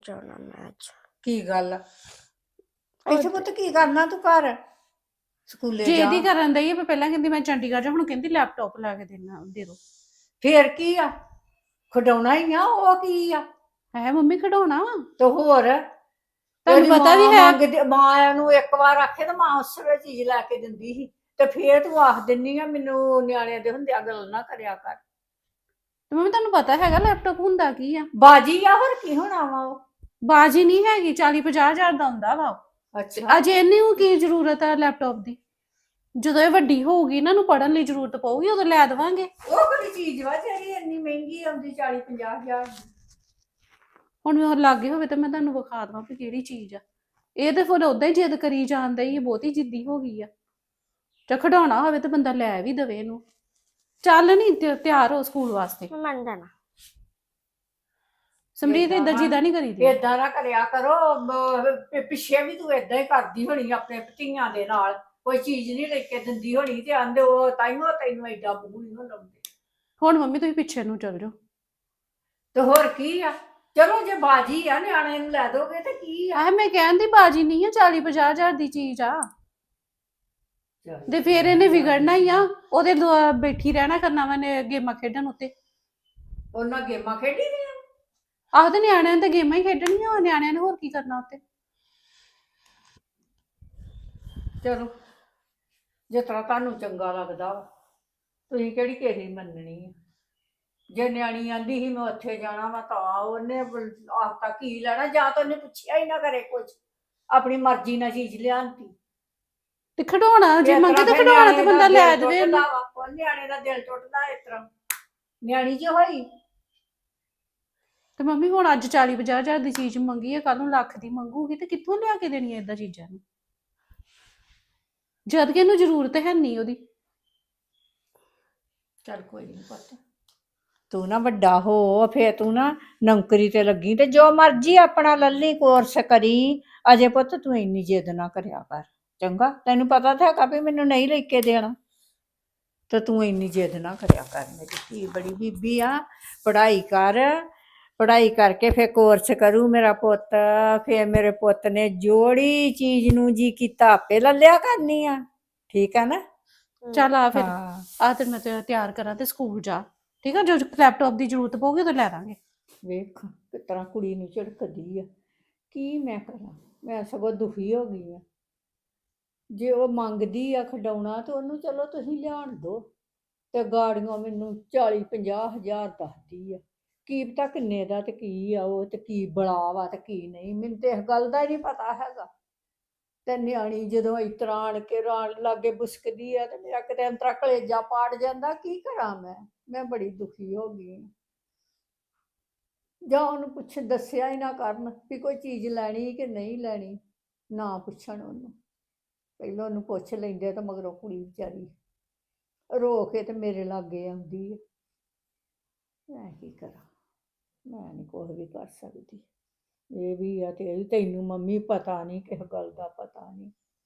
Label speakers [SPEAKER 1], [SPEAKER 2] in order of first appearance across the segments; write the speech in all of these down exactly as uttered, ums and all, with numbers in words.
[SPEAKER 1] ਜਾਣਾ ਮੈਂ ਅੱਜ।
[SPEAKER 2] ਕੀ ਗੱਲ ਆ? ਇੱਥੇ ਪੁੱਤ ਕੀ ਕਰਨਾ ਤੂੰ ਘਰ? ਸਕੂਲੇ ਜਾ।
[SPEAKER 3] ਜਿਹਦੀ ਕਰਨ ਦਈ ਮੈਂ ਪਹਿਲਾਂ ਕਹਿੰਦੀ ਮੈਂ ਚੰਡੀਗੜ੍ਹ ਜਾ, ਹੁਣ ਕਹਿੰਦੀ ਲੈਪਟਾਪ ਲਾ ਕੇ ਦੇਣਾ ਦੇ ਦੋ।
[SPEAKER 2] ਫੇਰ ਕੀ ਆ? ਖਡਾਉਣਾ ਹੀ ਆ, ਉਹ ਕੀ ਆ?
[SPEAKER 3] ਹੈ ਮੰਮੀ ਖਿਡੌਣਾ ਵਾ
[SPEAKER 2] ਤੇ ਹੋਰ
[SPEAKER 3] ਤੁਹਾਨੂੰ
[SPEAKER 2] ਉਹਦੀ
[SPEAKER 3] ਪਤਾ ਵੀ
[SPEAKER 2] ਮਾਂ
[SPEAKER 3] ਹੈ।
[SPEAKER 2] ਮੰਗਦੀ, ਮਾਂ ਨੂੰ ਇੱਕ ਵਾਰ ਆਖੇ ਤਾਂ ਮਾਂ ਉਸ ਵੇਲੇ ਚੀਜ਼ ਲੈ ਕੇ ਦਿੰਦੀ ਸੀ, ਤੇ ਫੇਰ ਤੂੰ ਆਖ ਦਿੰਨੀ ਆ ਮੈਨੂੰ ਨਿਆਣਿਆਂ ਦੇ ਹੁੰਦਿਆਂ ਗੱਲ ਨਾ ਕਰਿਆ ਕਰ।
[SPEAKER 3] ਤੇ ਮੰਮੀ ਤੁਹਾਨੂੰ ਪਤਾ ਹੈਗਾ ਲੈਪਟਾਪ ਹੁੰਦਾ ਕੀ ਆ?
[SPEAKER 2] ਬਾਜੀ ਆ, ਹੋਰ ਕੀ ਹੋਣਾ ਵਾ ਉਹ?
[SPEAKER 3] ਬਾਜੀ ਨਹੀਂ ਹੈਗੀ, ਚਾਲੀ ਪੰਜਾਹ ਹਜ਼ਾਰ ਦਾ ਹੁੰਦਾ ਵਾ ਉਹ।
[SPEAKER 2] ਅੱਛਾ,
[SPEAKER 3] ਅਜੇ ਇਹਨੂੰ ਕੀ ਜ਼ਰੂਰਤ ਆ ਲੈਪਟਾਪ ਦੀ? ਜਦੋਂ ਇਹ ਵੱਡੀ ਹੋਊਗੀ ਇਹਨਾਂ ਨੂੰ ਪੜ੍ਹਨ ਲਈ ਜ਼ਰੂਰਤ ਪਊਗੀ ਉਦੋਂ ਲੈ ਦੇਵਾਂਗੇ।
[SPEAKER 2] ਉਹ ਕਿਹੜੀ ਚੀਜ਼ ਵਾ ਜਿਹੜੀ ਇੰਨੀ ਮਹਿੰਗੀ ਆਉਂਦੀ ਚਾਲੀ ਪੰਜਾਹ ਹਜ਼ਾਰ ਦੀ?
[SPEAKER 3] ਹੁਣ ਮੈਂ ਲਾਗੇ ਹੋਵੇ ਤਾਂ ਮੈਂ ਤੁਹਾਨੂੰ ਵਿਖਾ ਦਵਾਂ ਵੀ ਕਿਹੜੀ ਚੀਜ਼ ਆ। ਇਹ ਤੇ ਫਿਰ ਉਦਾਂ ਹੀ ਜਿੱਦ ਕਰੀ ਜਾਂਦਾ ਹੀ, ਬਹੁਤੀ ਜਿੱਦੀ ਹੋ ਗਈ ਆ। ਜੇ ਖਿਡੌਣਾ ਹੋਵੇ ਤਾਂ ਬੰਦਾ ਲੈ ਵੀ ਦੇਵੇ ਇਹਨੂੰ। ਚੱਲ ਨਹੀਂ ਤਿਆਰ ਹੋ ਸਕੂਲ ਵਾਸਤੇ।
[SPEAKER 1] ਮੰਨ ਜਾਣਾ।
[SPEAKER 3] ਸਮਰੀਤ ਏਦਾਂ ਜਿੱਦਾਂ ਨਹੀਂ ਕਰੀਦੀ।
[SPEAKER 2] ਏਦਾਂ ਨਾ ਕਰਿਆ ਕਰੋ, ਬ- ਪਿੱਛੇ ਵੀ ਤੂੰ ਏਦਾਂ ਹੀ ਕਰਦੀ ਹੋਣੀ ਆਪਣੇ ਧੀਆਂ ਦੇ ਨਾਲ, ਕੋਈ ਚੀਜ਼ ਨਹੀਂ ਲੈ ਕੇ ਦਿੰਦੀ ਹੋਣੀ ਤੇ ਆਂਦੇ ਉਹ ਤਾਈਓ ਤੈਨੂੰ ਏਡਾ ਮੂੰਹ ਨਹੀਂ ਲਾਉਂਦੇ।
[SPEAKER 3] ਹੁਣ ਮੰਮੀ ਤੁਸੀਂ ਪਿੱਛੇ ਨੂੰ ਚੱਲ ਜਾਓ।
[SPEAKER 2] ਤੇ ਹੋਰ ਕੀ ਆ? ਚਲੋ ਜੇ ਬਾਜੀ ਆ ਨਿਆਣੇ ਨੂੰ ਲੈ ਦੋਗੇ ਤੇ ਕੀ ਆ?
[SPEAKER 3] ਆਹ ਮੈਂ ਕਹਿੰਦੀ ਬਾਜੀ ਨਹੀਂ ਆ, ਚਾਲੀ ਪੰਜਾਹ ਹਜ਼ਾਰ ਦੀ ਚੀਜ਼ ਆ। ਤੇ ਫਿਰ ਇਹਨੇ ਵਿਗੜਨਾ ਹੀ ਆ, ਉਹਦੇ ਦੁਆ- ਬੈਠੀ ਰਹਿਣਾ ਕਰਨਾ ਵਾ ਨੇ ਗੇਮਾਂ ਖੇਡਣ ਉੱਤੇ।
[SPEAKER 2] ਉਹਨਾਂ ਗੇਮਾਂ ਖੇਡੀ ਦੀਆਂ।
[SPEAKER 3] ਆਹ ਤੇ ਨਿਆਣਿਆਂ ਨੇ ਤਾਂ ਗੇਮਾਂ ਹੀ ਖੇਡਣੀਆਂ, ਨਿਆਣਿਆਂ ਨੇ ਹੋਰ ਕੀ ਕਰਨਾ ਉੱਤੇ।
[SPEAKER 2] ਚਲੋ ਜਿਸ ਤਰ੍ਹਾਂ ਤੁਹਾਨੂੰ ਚੰਗਾ ਲੱਗਦਾ ਵਾ, ਤੁਸੀਂ ਕਿਹੜੀ ਕਿਸੇ ਦੀ ਮੰਨਣੀ ਆ? ਜੇ ਨਿਆਣੀ ਆਂਦੀ ਸੀ ਮੈਂ ਉੱਥੇ ਜਾਣਾ ਵਾ ਤਾਂ ਉਹਨੇ ਆਖਤਾ ਕੀ ਲੈਣਾ, ਜਾਂ ਤਾਂ ਉਹਨੇ ਪੁੱਛਿਆ ਹੀ ਨਾ ਕਰੇ ਕੁਝ, ਆਪਣੀ ਮਰਜ਼ੀ ਨਾਲ ਚੀਜ਼ ਲਿਆਂਤੀ।
[SPEAKER 3] ਤੇ ਖਿਡੌਣਾ ਜੇ
[SPEAKER 2] ਇਸ
[SPEAKER 3] ਮੰਗੇ
[SPEAKER 2] ਤਰ੍ਹਾਂ
[SPEAKER 3] ਤਾਂ
[SPEAKER 2] ਫਿਰ
[SPEAKER 3] ਖਿਡੌਣਾ ਤੇ
[SPEAKER 2] ਨਿਆਣੇ ਦਾ
[SPEAKER 3] ਬੰਦਾ ਲੈ
[SPEAKER 2] ਦਿਲ
[SPEAKER 3] ਦੇਵੇ
[SPEAKER 2] ਟੁੱਟਦਾ
[SPEAKER 3] ਉਹਨੂੰ।
[SPEAKER 2] ਵਾ, ਉਹ ਨਿਆਣੇ ਦਾ ਦਿਲ ਟੁੱਟਦਾ ਇਸ ਤਰ੍ਹਾਂ ਨਿਆਣੀ ਚ ਹੋਈ।
[SPEAKER 3] ਤੇ ਮੰਮੀ ਹੁਣ ਅੱਜ ਚਾਲੀ ਪੰਜਾਹ ਹਜ਼ਾਰ ਦੀ ਚੀਜ਼ ਮੰਗੀ ਹੈ, ਕੱਲ ਨੂੰ ਲੱਖ ਦੀ ਮੰਗੂਗੀ ਤੇ ਕਿੱਥੋਂ ਲਿਆ ਕੇ ਦੇਣੀ ਹੈ ਏਦਾਂ ਚੀਜ਼ਾਂ ਨੂੰ, ਜਦ ਕਿ ਇਹਨੂੰ ਜ਼ਰੂਰਤ ਹੈ ਨਹੀਂ ਉਹਦੀ।
[SPEAKER 2] ਚੱਲ ਕੋਈ ਨਹੀਂ ਪੁੱਤ, ਤੂੰ ਨਾ ਵੱਡਾ ਹੋ ਫੇਰ ਤੂੰ ਨਾ ਨੌਕਰੀ ਤੇ ਲੱਗੀ ਤੇ ਜੋ ਮਰਜ਼ੀ ਆਪਣਾ ਲੱਲੀ ਕੋਰਸ ਕਰੀ। ਅਜੇ ਪੁੱਤ ਤੂੰ ਇੰਨੀ ਜਿੱਦ ਨਾ ਕਰਿਆ ਕਰ, ਚੰਗਾ? ਤੈਨੂੰ ਪਤਾ ਤਾਂ ਹੈਗਾ ਵੀ ਮੈਨੂੰ ਨਹੀਂ ਲੈ ਕੇ ਦੇਣਾ, ਤੇ ਤੂੰ ਇੰਨੀ ਜਿੱਦ ਨਾ ਕਰਿਆ ਕਰ। ਮੇਰੀ ਧੀ ਬੜੀ ਬੀਬੀ ਆ, ਪੜ੍ਹਾਈ ਕਰ, ਪੜ੍ਹਾਈ ਕਰਕੇ ਫਿਰ ਕੋਰਸ ਕਰੂ ਮੇਰਾ ਪੁੱਤ। ਫਿਰ ਮੇਰੇ ਪੁੱਤ ਨੇ ਜੋੜੀ ਚੀਜ਼ ਨੂੰ ਜੀ ਕੀਤਾ ਆਪੇ ਲੈ ਲਿਆ ਕਰਨੀ ਆ, ਠੀਕ ਆ ਨਾ?
[SPEAKER 3] ਚੱਲ ਆ ਫਿਰ,
[SPEAKER 2] ਹਾਂ
[SPEAKER 3] ਆ ਤੇ ਮੈਂ ਤੇ ਤਿਆਰ ਕਰਾਂ ਤੇ ਸਕੂਲ ਜਾ, ਠੀਕ ਆ? ਜੋ ਲੈਪਟਾਪ ਦੀ ਜ਼ਰੂਰਤ ਪਊਗੀ ਉਦੋਂ ਲੈ ਦਾਂਗੇ।
[SPEAKER 2] ਵੇਖ ਕਿਸ ਤਰ੍ਹਾਂ ਕੁੜੀ ਨੂੰ ਝਿੜਕਦੀ ਆ, ਕੀ ਮੈਂ ਕਰਾਂ? ਮੈਂ ਸਗੋਂ ਦੁਖੀ ਹੋ ਗਈ ਆ। ਜੇ ਉਹ ਮੰਗਦੀ ਆ ਖਿਡੌਣਾ ਤੇ ਉਹਨੂੰ ਚਲੋ ਤੁਸੀਂ ਲਿਆਣ ਦਿਓ, ਤੇ ਗਾੜੀਆਂ ਮੈਨੂੰ ਚਾਲੀ ਪੰਜਾਹ ਹਜ਼ਾਰ ਦੱਸਦੀ ਆ। ਕੀ ਪਤਾ ਕਿੰਨੇ ਦਾ ਤੇ ਕੀ ਆ ਉਹ, ਤੇ ਕੀ ਬੜਾ ਵਾ ਤੇ ਕੀ ਨਹੀਂ, ਮੈਨੂੰ ਤੇ ਇਸ ਗੱਲ ਦਾ ਹੀ ਨਹੀਂ ਪਤਾ ਹੈਗਾ। ਤੇ ਨਿਆਣੀ ਜਦੋਂ ਇਸ ਤਰ੍ਹਾਂ ਆਣ ਕੇ ਰਾਣ ਲਾਗੇ ਬੁਸਕਦੀ ਆ ਤੇ ਮੇਰਾ ਕਿਤੇ ਅੰਤਰਾ ਕਲੇਜਾ ਪਾੜ ਜਾਂਦਾ। ਕੀ ਕਰਾਂ ਮੈਂ? ਮੈਂ ਬੜੀ ਦੁਖੀ ਹੋ ਗਈ ਹਾਂ। ਜਾਂ ਉਹਨੂੰ ਪੁੱਛ ਦੱਸਿਆ ਹੀ ਨਾ ਕਰਨ ਵੀ ਕੋਈ ਚੀਜ਼ ਲੈਣੀ ਕਿ ਨਹੀਂ ਲੈਣੀ, ਨਾ ਪੁੱਛਣ ਉਹਨੂੰ, ਪਹਿਲਾਂ ਉਹਨੂੰ ਪੁੱਛ ਲੈਂਦੇ ਤਾਂ ਮਗਰੋਂ ਕੁੜੀ ਵਿਚਾਰੀ ਰੋ ਕੇ ਤੇ ਮੇਰੇ ਲਾਗੇ ਆਉਂਦੀ ਹੈ। ਮੈਂ ਕੀ ਕਰਾਂ? ਮੈਂ ਨਹੀਂ ਕੁਛ ਵੀ ਕਰ ਸਕਦੀ। ਇਹ ਵੀ ਆ ਤੇ ਇਹ ਵੀ, ਤੈਨੂੰ ਮੰਮੀ ਪਤਾ ਨਹੀਂ, ਕਿਸੇ ਗੱਲ ਦਾ ਪਤਾ ਨਹੀਂ।